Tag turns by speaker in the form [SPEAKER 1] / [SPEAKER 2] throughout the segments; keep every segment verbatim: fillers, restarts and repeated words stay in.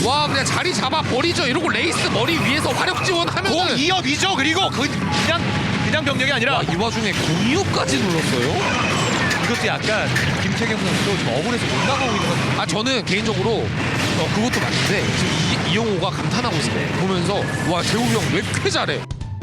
[SPEAKER 1] 와 그냥 자리 잡아 버리죠. 이러고 레이스 머리 위에서 화력 지원하면은
[SPEAKER 2] 공 이 업이죠. 그리고 그 그냥 그냥 병력이 아니라
[SPEAKER 1] 와, 이 와중에 공이업까지 눌렀어요.
[SPEAKER 2] 이것도 약간 김태경 선수도 좀 억울해서 못 나가고 있는 것 같아요.
[SPEAKER 1] 아 저는 개인적으로 어, 그것도 맞는데 지금 이, 이영호가 감탄하고 있어요. 보면서 와 재욱이 형 왜 이렇게 잘해?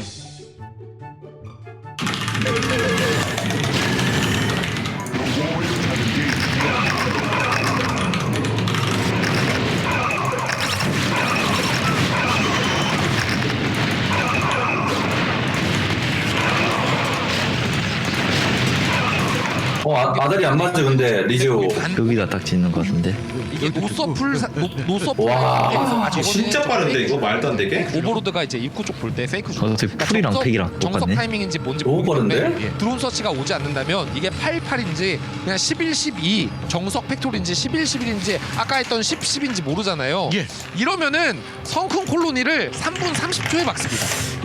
[SPEAKER 3] 어 아, 아다리 안 맞죠 근데 리즈오.
[SPEAKER 4] 여기다 딱 짓는 것 같은데.
[SPEAKER 1] 이게 노서풀 사- 노, 노서풀
[SPEAKER 3] 와,
[SPEAKER 1] 상태에서 아,
[SPEAKER 5] 진짜
[SPEAKER 1] 저거는
[SPEAKER 5] 빠른데 이거 말도 안 되게?
[SPEAKER 1] 오버로드가 이제 입구 쪽 볼 때 페이크 중.
[SPEAKER 4] 어떻게 풀이랑 팩이랑
[SPEAKER 1] 정석
[SPEAKER 4] 똑같네?
[SPEAKER 1] 타이밍인지 뭔지
[SPEAKER 3] 너무
[SPEAKER 1] 모르겠는데
[SPEAKER 3] 빠른데?
[SPEAKER 1] 예. 드론 서치가 오지 않는다면 이게 팔십팔인지 그냥 십일, 십이 정석 팩토리인지 십일, 십일인지 아까 했던 십, 십인지 모르잖아요.
[SPEAKER 2] 예.
[SPEAKER 1] 이러면은 성큰 콜로니를 삼 분 삼십 초에 막습니다.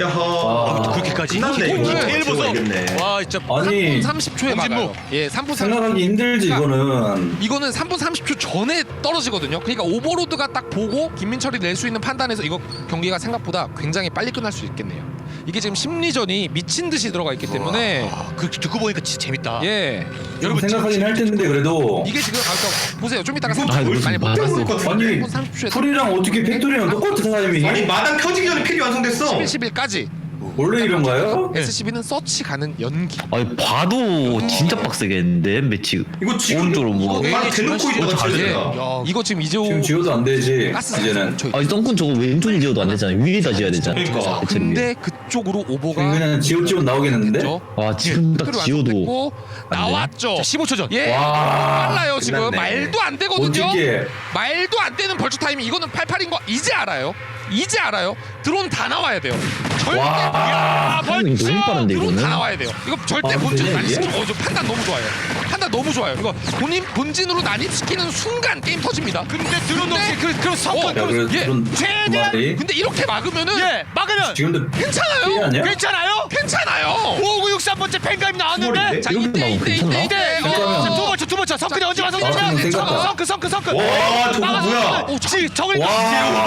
[SPEAKER 5] 야하.
[SPEAKER 3] 아,
[SPEAKER 2] 그렇게까지?
[SPEAKER 5] 끝났네 이거.
[SPEAKER 2] 디테일 보소.
[SPEAKER 5] 이겼네.
[SPEAKER 2] 와 진짜
[SPEAKER 3] 아니
[SPEAKER 1] 삼 분 삼십 초에
[SPEAKER 2] 홍진무.
[SPEAKER 1] 막아요. 예, 삼 분 삼십 초.
[SPEAKER 3] 생각하기 힘들지 이거는.
[SPEAKER 1] 이거는 삼 분 삼십 초 전에 떨어지거든요. 그러니까 오버로드가 딱 보고 김민철이 낼 수 있는 판단에서 이거 경기가 생각보다 굉장히 빨리 끝날 수 있겠네요. 이게 지금 심리전이 미친 듯이 들어가 있기 때문에
[SPEAKER 2] 아, 그 듣고 보니까 진짜 재밌다.
[SPEAKER 1] 예.
[SPEAKER 3] 여러분 생각하긴 할 텐데 그래도.
[SPEAKER 1] 이게 지금 아까 보세요. 좀 이따가
[SPEAKER 5] 이거
[SPEAKER 1] 삼 분
[SPEAKER 5] 뭘
[SPEAKER 1] 많이 못
[SPEAKER 5] 진짜
[SPEAKER 1] 봤어요.
[SPEAKER 5] 모를 것
[SPEAKER 3] 아니
[SPEAKER 1] 삼 분 삼십 초에
[SPEAKER 3] 풀이랑 어떻게 팩토리랑 똑같은 타이밍이?
[SPEAKER 5] 아니 마당 켜지기 전에 필이 완성됐어.
[SPEAKER 1] 십일, 십일까지
[SPEAKER 3] 원래 이런가요?
[SPEAKER 1] 에스씨비는 서치 가는 연기.
[SPEAKER 4] 아니 봐도 진짜 빡세겠는데 매치.
[SPEAKER 5] 이거 지금
[SPEAKER 4] 오른쪽으로 뭐.
[SPEAKER 5] 막 대놓고 있다가
[SPEAKER 4] 어, 잘해.
[SPEAKER 5] 쳐야
[SPEAKER 1] 야, 이거 지금 이재호
[SPEAKER 3] 지금 지워도 안 되지
[SPEAKER 1] 가스
[SPEAKER 3] 이제는.
[SPEAKER 1] 저-
[SPEAKER 4] 아니 덩큰 저거 왼쪽에 지어도 안 되잖아. 위에다 지어야 되잖아.
[SPEAKER 5] 그러니까.
[SPEAKER 4] 대체 위에.
[SPEAKER 1] 근데 그쪽으로 오버가
[SPEAKER 3] 그냥 지워 지워 나오겠는데?
[SPEAKER 1] 됐죠.
[SPEAKER 4] 와 지금 딱
[SPEAKER 1] 팩토리
[SPEAKER 4] 지어도
[SPEAKER 1] 완성됐고 나왔죠.
[SPEAKER 2] 자, 십오 초 전.
[SPEAKER 1] 예.
[SPEAKER 3] 와.
[SPEAKER 1] 빨라요 지금.
[SPEAKER 5] 끝났네.
[SPEAKER 1] 말도 안 되거든요.
[SPEAKER 3] 어떻게?
[SPEAKER 1] 말도 안 되는 벌초 타이밍. 이거는 팔십팔인 거 이제 알아요. 이제 알아요. 드론 다 나와야 돼요. 절대
[SPEAKER 3] 와.
[SPEAKER 4] 타이밍이 너무 빠른데
[SPEAKER 1] 드론
[SPEAKER 4] 이거는.
[SPEAKER 1] 다 나와야 돼요. 이거 절대
[SPEAKER 3] 아,
[SPEAKER 1] 본진
[SPEAKER 3] 되네,
[SPEAKER 1] 난입시켜.
[SPEAKER 3] 이게?
[SPEAKER 1] 어, 저 판단 너무 좋아요. 판단 너무 좋아요. 이거 본인 본진으로 난입시키는 순간 게임 터집니다.
[SPEAKER 2] 근데 드론
[SPEAKER 1] 근데-
[SPEAKER 2] 없이 그 그런 성과
[SPEAKER 1] 어,
[SPEAKER 3] 야 그래도
[SPEAKER 1] 예.
[SPEAKER 3] 그런
[SPEAKER 2] 최대한-
[SPEAKER 3] 말이
[SPEAKER 1] 근데 이렇게 막으면은
[SPEAKER 2] 예 막으면
[SPEAKER 3] 지금도 피해
[SPEAKER 1] 괜찮아요.
[SPEAKER 3] 아니야?
[SPEAKER 2] 괜찮아요?
[SPEAKER 1] 괜찮아요.
[SPEAKER 2] 오구육삼 번째 팬가입 나왔는데
[SPEAKER 5] 수월인데?
[SPEAKER 1] 자
[SPEAKER 4] 이렇게
[SPEAKER 1] 이때
[SPEAKER 4] 나오면
[SPEAKER 1] 이때
[SPEAKER 4] 괜찮나?
[SPEAKER 1] 이때 이때.
[SPEAKER 3] 괜찮아요.
[SPEAKER 2] 자, 두 번째 두 번째 성근이 언제
[SPEAKER 1] 자,
[SPEAKER 2] 완성되냐?
[SPEAKER 3] 아, 생각보다.
[SPEAKER 2] 성크 성크 성크.
[SPEAKER 5] 와 저거 뭐야?
[SPEAKER 2] 오, 지 정을
[SPEAKER 3] 와.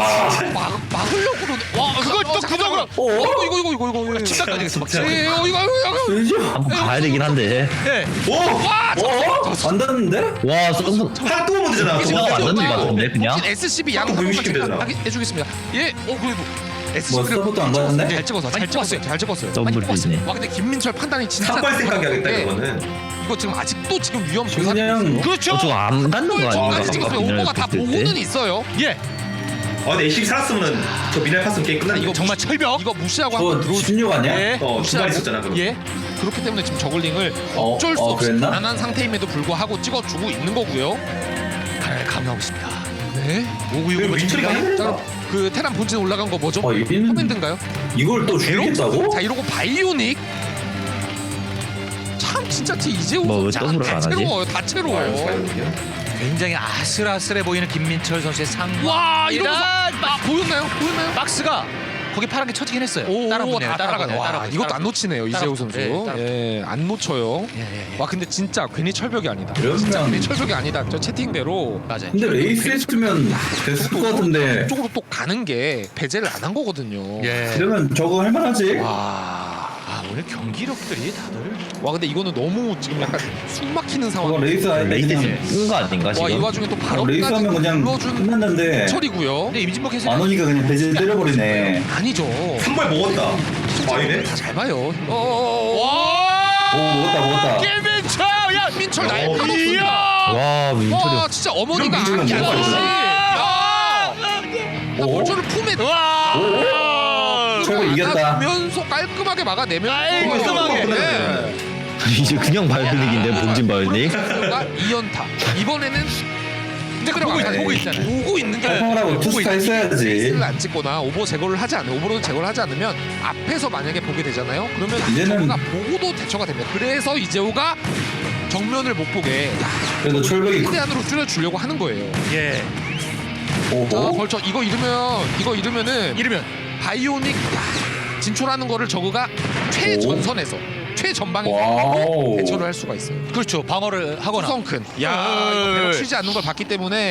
[SPEAKER 1] 막 막으려고 그러네. 와
[SPEAKER 2] 그걸
[SPEAKER 1] 어,
[SPEAKER 2] 또
[SPEAKER 1] 잠깐만.
[SPEAKER 2] 그쪽으로-
[SPEAKER 1] 어, 이거 이거 이거 이거 이거 이거.
[SPEAKER 2] 침착 가되겠어 막.
[SPEAKER 5] 진짜.
[SPEAKER 1] 예, 어, 이거 이거 이거.
[SPEAKER 3] 이거
[SPEAKER 4] 한번 가야 되긴 한데.
[SPEAKER 2] 예.
[SPEAKER 5] 오!
[SPEAKER 1] 와,
[SPEAKER 3] 어? 안 닿는데?
[SPEAKER 4] 와 덩큰.
[SPEAKER 5] 하나 또 오면 되잖아.
[SPEAKER 4] 이거
[SPEAKER 5] 저거.
[SPEAKER 4] 안 던진 것 같은데 그냥.
[SPEAKER 1] 본진 에스씨비 양
[SPEAKER 5] 자꾸
[SPEAKER 1] 한 번만
[SPEAKER 5] 분리시키면 되잖아.
[SPEAKER 1] 체크하게 해주겠습니다. 예, 어 그래도
[SPEAKER 3] 뭐
[SPEAKER 1] 에스씨비를
[SPEAKER 3] 서브도 안 가는데?
[SPEAKER 1] 잘 찍어서 잘 찍었어요. 잘 찍었어요.
[SPEAKER 4] 더블
[SPEAKER 1] 많이 뽑았어요.
[SPEAKER 4] 리즈네.
[SPEAKER 1] 와 근데 김민철 판단이 진짜.
[SPEAKER 5] 삭발 생각이 하겠다
[SPEAKER 1] 예,
[SPEAKER 5] 이거는.
[SPEAKER 1] 이거 지금 아직도 지금 위험
[SPEAKER 3] 지금
[SPEAKER 1] 조사.
[SPEAKER 3] 그냥
[SPEAKER 2] 그렇죠.
[SPEAKER 4] 어 저거 안 닿는 거 아닌가?
[SPEAKER 1] 중간에 찍었으면 오버가 다 보고는 있어요.
[SPEAKER 2] 예.
[SPEAKER 5] 아 근데 에이십이 살았으면 저 미날 팠으면 게임 끝나는
[SPEAKER 1] 이거
[SPEAKER 5] 이거.
[SPEAKER 2] 정말 철벽.
[SPEAKER 1] 이거 무시하고 한번
[SPEAKER 3] 그거
[SPEAKER 1] 들어올 수.
[SPEAKER 3] 십육 아니야?
[SPEAKER 2] 예.
[SPEAKER 5] 어 두발 있었잖아 그럼.
[SPEAKER 2] 예.
[SPEAKER 1] 그렇기 때문에 지금 저글링을
[SPEAKER 3] 어,
[SPEAKER 1] 어쩔 수
[SPEAKER 3] 어,
[SPEAKER 1] 없이
[SPEAKER 3] 그랬나?
[SPEAKER 1] 가난한 상태임에도 불구하고 찍어주고 있는 거고요.
[SPEAKER 2] 가난을 감행하고 있습니다.
[SPEAKER 1] 네.
[SPEAKER 5] 왜 민철이가
[SPEAKER 1] 자,
[SPEAKER 5] 힘들다.
[SPEAKER 1] 그럼 그 테란 본진 올라간 거 뭐죠?
[SPEAKER 3] 어, 여기는
[SPEAKER 1] 커맨드인가요?
[SPEAKER 3] 이걸 또 죽이겠다고?
[SPEAKER 1] 자 이러고 바이오닉. 참 진짜 티 이재호
[SPEAKER 4] 뭐왜
[SPEAKER 1] 선수
[SPEAKER 4] 더블을 안 하지?
[SPEAKER 1] 다채로워요. 다채로워요.
[SPEAKER 2] 굉장히 아슬아슬해 보이는 김민철 선수의 상황.
[SPEAKER 1] 와 이러면서 아 보였나요? 보였나요?
[SPEAKER 2] 박스가 거기 파란 게 쳐지긴 했어요. 따라붙네요.
[SPEAKER 1] 다 따라가네. 와,
[SPEAKER 2] 따라붙네요.
[SPEAKER 1] 이것도 안 놓치네요 이재호 선수.
[SPEAKER 2] 예, 따라붙-
[SPEAKER 1] 예, 안 놓쳐요.
[SPEAKER 2] 예, 예, 예.
[SPEAKER 1] 와 근데 진짜 괜히 철벽이 아니다.
[SPEAKER 3] 이러면-
[SPEAKER 1] 진짜 괜히 철벽이 아니다. 저 채팅대로
[SPEAKER 2] 맞아요.
[SPEAKER 3] 근데 레이스 했으면 됐을 것 같은데.
[SPEAKER 1] 쪽으로 또 가는 게 배제를 안 한 거거든요.
[SPEAKER 2] 예.
[SPEAKER 3] 이러면 저거 할만하지?
[SPEAKER 1] 와.
[SPEAKER 2] 아 오늘 경기력들이 다들.
[SPEAKER 1] 와 근데 이거는 너무 지금 약간 숨 막히는
[SPEAKER 3] 저거
[SPEAKER 1] 상황.
[SPEAKER 3] 레이스 할 때
[SPEAKER 4] 레이스
[SPEAKER 3] 그냥
[SPEAKER 4] 끈거 아닌가
[SPEAKER 1] 와 이
[SPEAKER 4] 지금?
[SPEAKER 1] 와중에 또 바로
[SPEAKER 3] 어, 레이스 하면 그냥 끝났는데
[SPEAKER 1] 철이고요.
[SPEAKER 2] 근데 임진복 해설.
[SPEAKER 3] 안 오니까 그냥 배제 때려버리네.
[SPEAKER 1] 아니죠.
[SPEAKER 5] 한 발 먹었다. 아니네.
[SPEAKER 1] 다 잘 봐요. 어. 와.
[SPEAKER 3] 오 먹었다 먹었다.
[SPEAKER 2] 김민철. 야
[SPEAKER 1] 민철
[SPEAKER 5] 어,
[SPEAKER 1] 날카롭습니다.
[SPEAKER 2] 이야.
[SPEAKER 4] 와 민철이.
[SPEAKER 1] 와 진짜 어머니가
[SPEAKER 5] 이런 민철은
[SPEAKER 1] 아기
[SPEAKER 5] 뭐가
[SPEAKER 1] 아저씨.
[SPEAKER 5] 있어?
[SPEAKER 1] 야. 나
[SPEAKER 3] 오?
[SPEAKER 1] 민철을 품에
[SPEAKER 2] 와.
[SPEAKER 3] 철거 이겼다.
[SPEAKER 1] 면서 깔끔하게 막아내면
[SPEAKER 2] 깔끔하게.
[SPEAKER 1] 네.
[SPEAKER 4] 이제 그냥 바이올릭인데 본진 바이올릭.
[SPEAKER 1] 가 이 연타. 이번에는
[SPEAKER 2] 근데 그 보고 있 보고 있잖아요.
[SPEAKER 1] 보고 있는 게
[SPEAKER 3] 하라고 투스타 했어야지.
[SPEAKER 1] 레이스를 안 찍거나 오버 제거를 하지 않으면 오버로드 제거를 하지 않으면 앞에서 만약에 보게 되잖아요. 그러면
[SPEAKER 3] 이제는-
[SPEAKER 1] 이재호가 보고도 대처가 됩니다. 그래서 이재호가 정면을 못 보게
[SPEAKER 3] 그래도 철벽이
[SPEAKER 1] 최대한으로 줄여주려고 하는 거예요.
[SPEAKER 2] 예.
[SPEAKER 1] 자,
[SPEAKER 3] 오호.
[SPEAKER 1] 벌써 이거 잃으면 이거 잃으면은
[SPEAKER 2] 이러면
[SPEAKER 1] 바이오닉 진출하는 거를 저그가 최전선에서 최전방에
[SPEAKER 3] 와우.
[SPEAKER 1] 대처를 할 수가 있어요.
[SPEAKER 2] 그렇죠. 방어를 하거나.
[SPEAKER 1] 수성큰. 야
[SPEAKER 2] 어,
[SPEAKER 1] 이거 배럭
[SPEAKER 2] 예.
[SPEAKER 1] 쉬지 않는 걸 봤기 때문에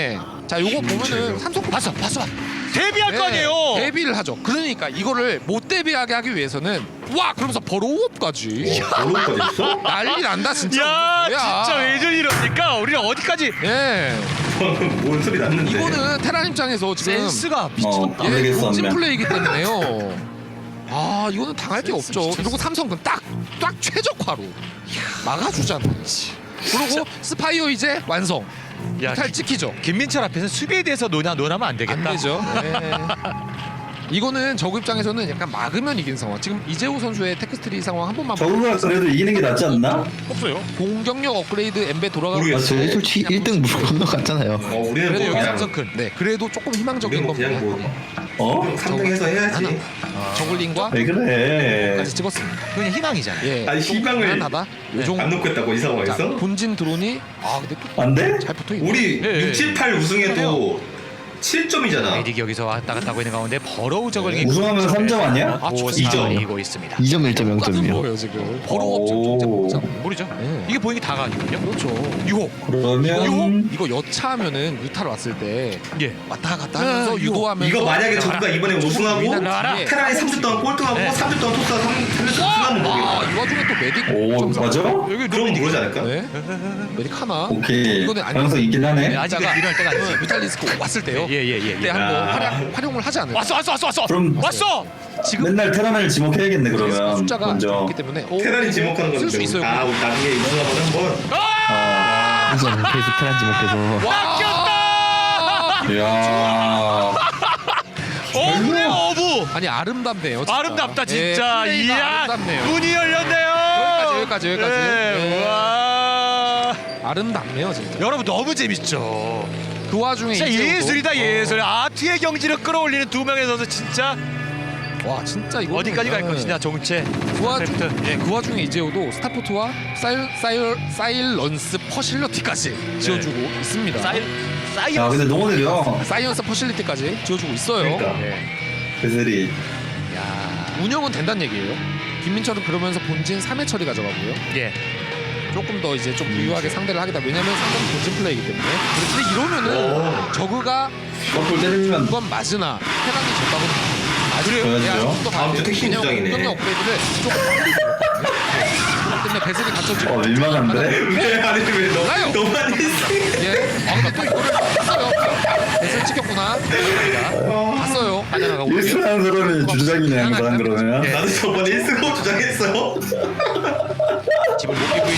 [SPEAKER 1] 자 요거 보면은 삼성 봤어 봤어
[SPEAKER 2] 데뷔할 거 아니에요.
[SPEAKER 1] 데뷔를 하죠. 그러니까 이거를 못 데뷔하게 하기 위해서는 와 그러면서 버로우업까지
[SPEAKER 5] 어려운까지 있어?
[SPEAKER 1] 난리 난다 진짜.
[SPEAKER 2] 야
[SPEAKER 1] 뭐야.
[SPEAKER 2] 진짜 왜 저리 이러니까 우리는 어디까지
[SPEAKER 1] 예
[SPEAKER 5] 방금 뭔 소리 났는데.
[SPEAKER 1] 이거는 테란 입장에서 지금
[SPEAKER 2] 센스가
[SPEAKER 3] 어
[SPEAKER 2] 미쳤다.
[SPEAKER 1] 예,
[SPEAKER 3] 모르겠어
[SPEAKER 1] 본진
[SPEAKER 3] 하면.
[SPEAKER 1] 플레이이기 때문에요. 아 이거는 당할 게 없죠. 그리고 삼성은 딱딱 최적화로 막아주잖아. 그리고 스파이어 이제 완성.
[SPEAKER 2] 야,
[SPEAKER 1] 탈 찍히죠.
[SPEAKER 2] 김민철 앞에서 수비에 대해서 논하, 논하면 안 되겠다.
[SPEAKER 1] 안 되죠. 네. 이거는 적 입장에서는 약간 막으면 이긴 상황. 지금 이재호 선수의 테크스트리 상황 한 번만
[SPEAKER 3] 저거가 그래도 이기는 게 낫지 않나?
[SPEAKER 2] 없어요.
[SPEAKER 1] 공격력 업그레이드 엠베 돌아가고
[SPEAKER 3] 아,
[SPEAKER 5] 모르겠어.
[SPEAKER 4] 저희 솔직히 일 등 물 건너갔잖아요.
[SPEAKER 5] 어 우리는
[SPEAKER 1] 그래도
[SPEAKER 5] 뭐
[SPEAKER 1] 여기
[SPEAKER 5] 그냥
[SPEAKER 1] 삼성 큰. 네, 그래도 조금 희망적인
[SPEAKER 5] 우리는 뭐
[SPEAKER 1] 겁니다.
[SPEAKER 5] 그냥 뭐
[SPEAKER 3] 어?
[SPEAKER 5] 삼 등에서 해야지.
[SPEAKER 1] 저글링과
[SPEAKER 3] 왜 그래?
[SPEAKER 1] 까지 찍었습니다.
[SPEAKER 2] 그냥 희망이잖아.
[SPEAKER 1] 예,
[SPEAKER 5] 아니,
[SPEAKER 1] 좀
[SPEAKER 5] 희망을
[SPEAKER 1] 가난하다.
[SPEAKER 2] 네.
[SPEAKER 1] 요정
[SPEAKER 5] 안 놓겠다고 이
[SPEAKER 1] 자,
[SPEAKER 5] 상황에서?
[SPEAKER 1] 본진 드론이 아 근데 또
[SPEAKER 3] 안 돼?
[SPEAKER 1] 잘 붙어 있네.
[SPEAKER 5] 우리
[SPEAKER 2] 예, 예.
[SPEAKER 5] 육, 칠, 팔 우승해도 칠 점이잖아.
[SPEAKER 2] 아이딕 여기서 왔다 갔다 하고 있는 가운데 버러우 저글링이
[SPEAKER 3] 우승하면 삼 점 아니야?
[SPEAKER 1] 아,
[SPEAKER 3] 이 점.
[SPEAKER 2] 이고 있습니다.
[SPEAKER 4] 이 점 일 점 영 점이요.
[SPEAKER 1] 거예요 지금. 버로우
[SPEAKER 3] 오.
[SPEAKER 1] 업적 진짜
[SPEAKER 2] 모르죠.
[SPEAKER 1] 네.
[SPEAKER 2] 이게 보이는 게 다가 아니거든요.
[SPEAKER 1] 그렇죠.
[SPEAKER 2] 유호.
[SPEAKER 3] 그러면
[SPEAKER 1] 이거 여차하면은 유타로 왔을 때
[SPEAKER 2] 예.
[SPEAKER 1] 왔다 갔다 하면서
[SPEAKER 2] 아, 이거-
[SPEAKER 1] 유도하면서
[SPEAKER 5] 이거 만약에 저가 이번에 우승하고
[SPEAKER 1] 위난하라.
[SPEAKER 5] 테란이 삼 주 동안 꼴등하고
[SPEAKER 2] 네.
[SPEAKER 5] 삼 주 동안 토스가 삼 주 우승하면
[SPEAKER 1] 아,
[SPEAKER 5] 모르겠다.
[SPEAKER 1] 이 와중에 또 메딕
[SPEAKER 3] 오
[SPEAKER 1] 점사.
[SPEAKER 3] 맞아?
[SPEAKER 2] 여기
[SPEAKER 5] 그럼 모르지 않을까?
[SPEAKER 1] 네. 메딕 하나.
[SPEAKER 3] 오케이
[SPEAKER 1] 이거는 아니-
[SPEAKER 3] 가능성 있긴 하네.
[SPEAKER 2] 네, 아직은
[SPEAKER 1] 이따가
[SPEAKER 2] 일어날 때가 아니지.
[SPEAKER 1] 뮤탈리스크 왔을 때요.
[SPEAKER 2] 예예예.
[SPEAKER 1] 그때
[SPEAKER 2] 예,
[SPEAKER 1] 한번
[SPEAKER 5] 아.
[SPEAKER 1] 활용, 활용을 하지 않을까.
[SPEAKER 2] 왔어 왔어 왔어 왔어.
[SPEAKER 3] 그럼-
[SPEAKER 2] 왔어.
[SPEAKER 1] 지금
[SPEAKER 3] 맨날 테란을 지목해야겠네 그러면
[SPEAKER 1] 숫자가
[SPEAKER 3] 먼저.
[SPEAKER 1] 적기 때문에 오,
[SPEAKER 5] 테란이 지목하는 건
[SPEAKER 1] 쓸수 있어요.
[SPEAKER 5] 아 우리 나중에 우승하면 한번
[SPEAKER 3] 아,
[SPEAKER 4] 우선 계속 테란 지목해서
[SPEAKER 1] 와!
[SPEAKER 3] 이야.
[SPEAKER 2] 어부네 어부.
[SPEAKER 1] 아니 아름답네요. 진짜.
[SPEAKER 2] 아름답다
[SPEAKER 1] 예,
[SPEAKER 2] 진짜.
[SPEAKER 1] 플레이가
[SPEAKER 2] 이야.
[SPEAKER 1] 아름답네요.
[SPEAKER 2] 문이 열렸네요.
[SPEAKER 1] 여기까지, 여기까지, 여기까지.
[SPEAKER 2] 네.
[SPEAKER 1] 예.
[SPEAKER 2] 와.
[SPEAKER 1] 아름답네요 진짜.
[SPEAKER 2] 여러분 너무 재밌죠.
[SPEAKER 1] 그 와중에
[SPEAKER 2] 진짜
[SPEAKER 1] 이재호도-
[SPEAKER 2] 예술이다
[SPEAKER 1] 어.
[SPEAKER 2] 예술. 아트의 경지를 끌어올리는 두 명의 선수 진짜
[SPEAKER 1] 와 진짜 이거
[SPEAKER 2] 어디까지 갈 것이냐 정체.
[SPEAKER 1] 그 와중
[SPEAKER 2] 크래프트.
[SPEAKER 1] 예, 그 와중에 이재호도 스타포트와 사일 사일 사일런스 퍼실리티까지 지어주고 있습니다.
[SPEAKER 2] 사이 사이.
[SPEAKER 3] 야 근데 너무 느려.
[SPEAKER 1] 사이언스 퍼실리티까지 지어주고 있어요.
[SPEAKER 5] 그러니까.
[SPEAKER 3] 배슬이.
[SPEAKER 2] 야.
[SPEAKER 1] 운영은 된다는 얘기예요. 김민철은 그러면서 본진 삼 회 처리 가져가고요.
[SPEAKER 2] 예.
[SPEAKER 1] 조금 더 이제 좀 부유하게 상대를 하겠다. 왜냐면 상대는 본진 플레이이기 때문에. 근데 이러면은
[SPEAKER 5] 오.
[SPEAKER 1] 저그가
[SPEAKER 3] 거꾸로 때리면
[SPEAKER 1] 그건 맞으나 테란이 졌다고
[SPEAKER 3] 그래야죠.
[SPEAKER 5] 다음 주 택시 입장이네.
[SPEAKER 1] 공격력 업그레이드를 조금 빨리 들어갔거든요. 그렇기 때문에 배슬이 갖춰지고
[SPEAKER 3] 어 민망한데?
[SPEAKER 5] 왜 아니 왜
[SPEAKER 1] 몰라요.
[SPEAKER 5] 너, 너만 했어?
[SPEAKER 1] 예. 아 근데 또 이거를 봤어요. 배슬 찍혔구나. 봤어요. 빠져나가고.
[SPEAKER 3] 일순한 사람이 주장이네 항상 그러면.
[SPEAKER 2] 예.
[SPEAKER 5] 나도 저번에 일 승하고 주장했어.
[SPEAKER 2] 집을 못 끼고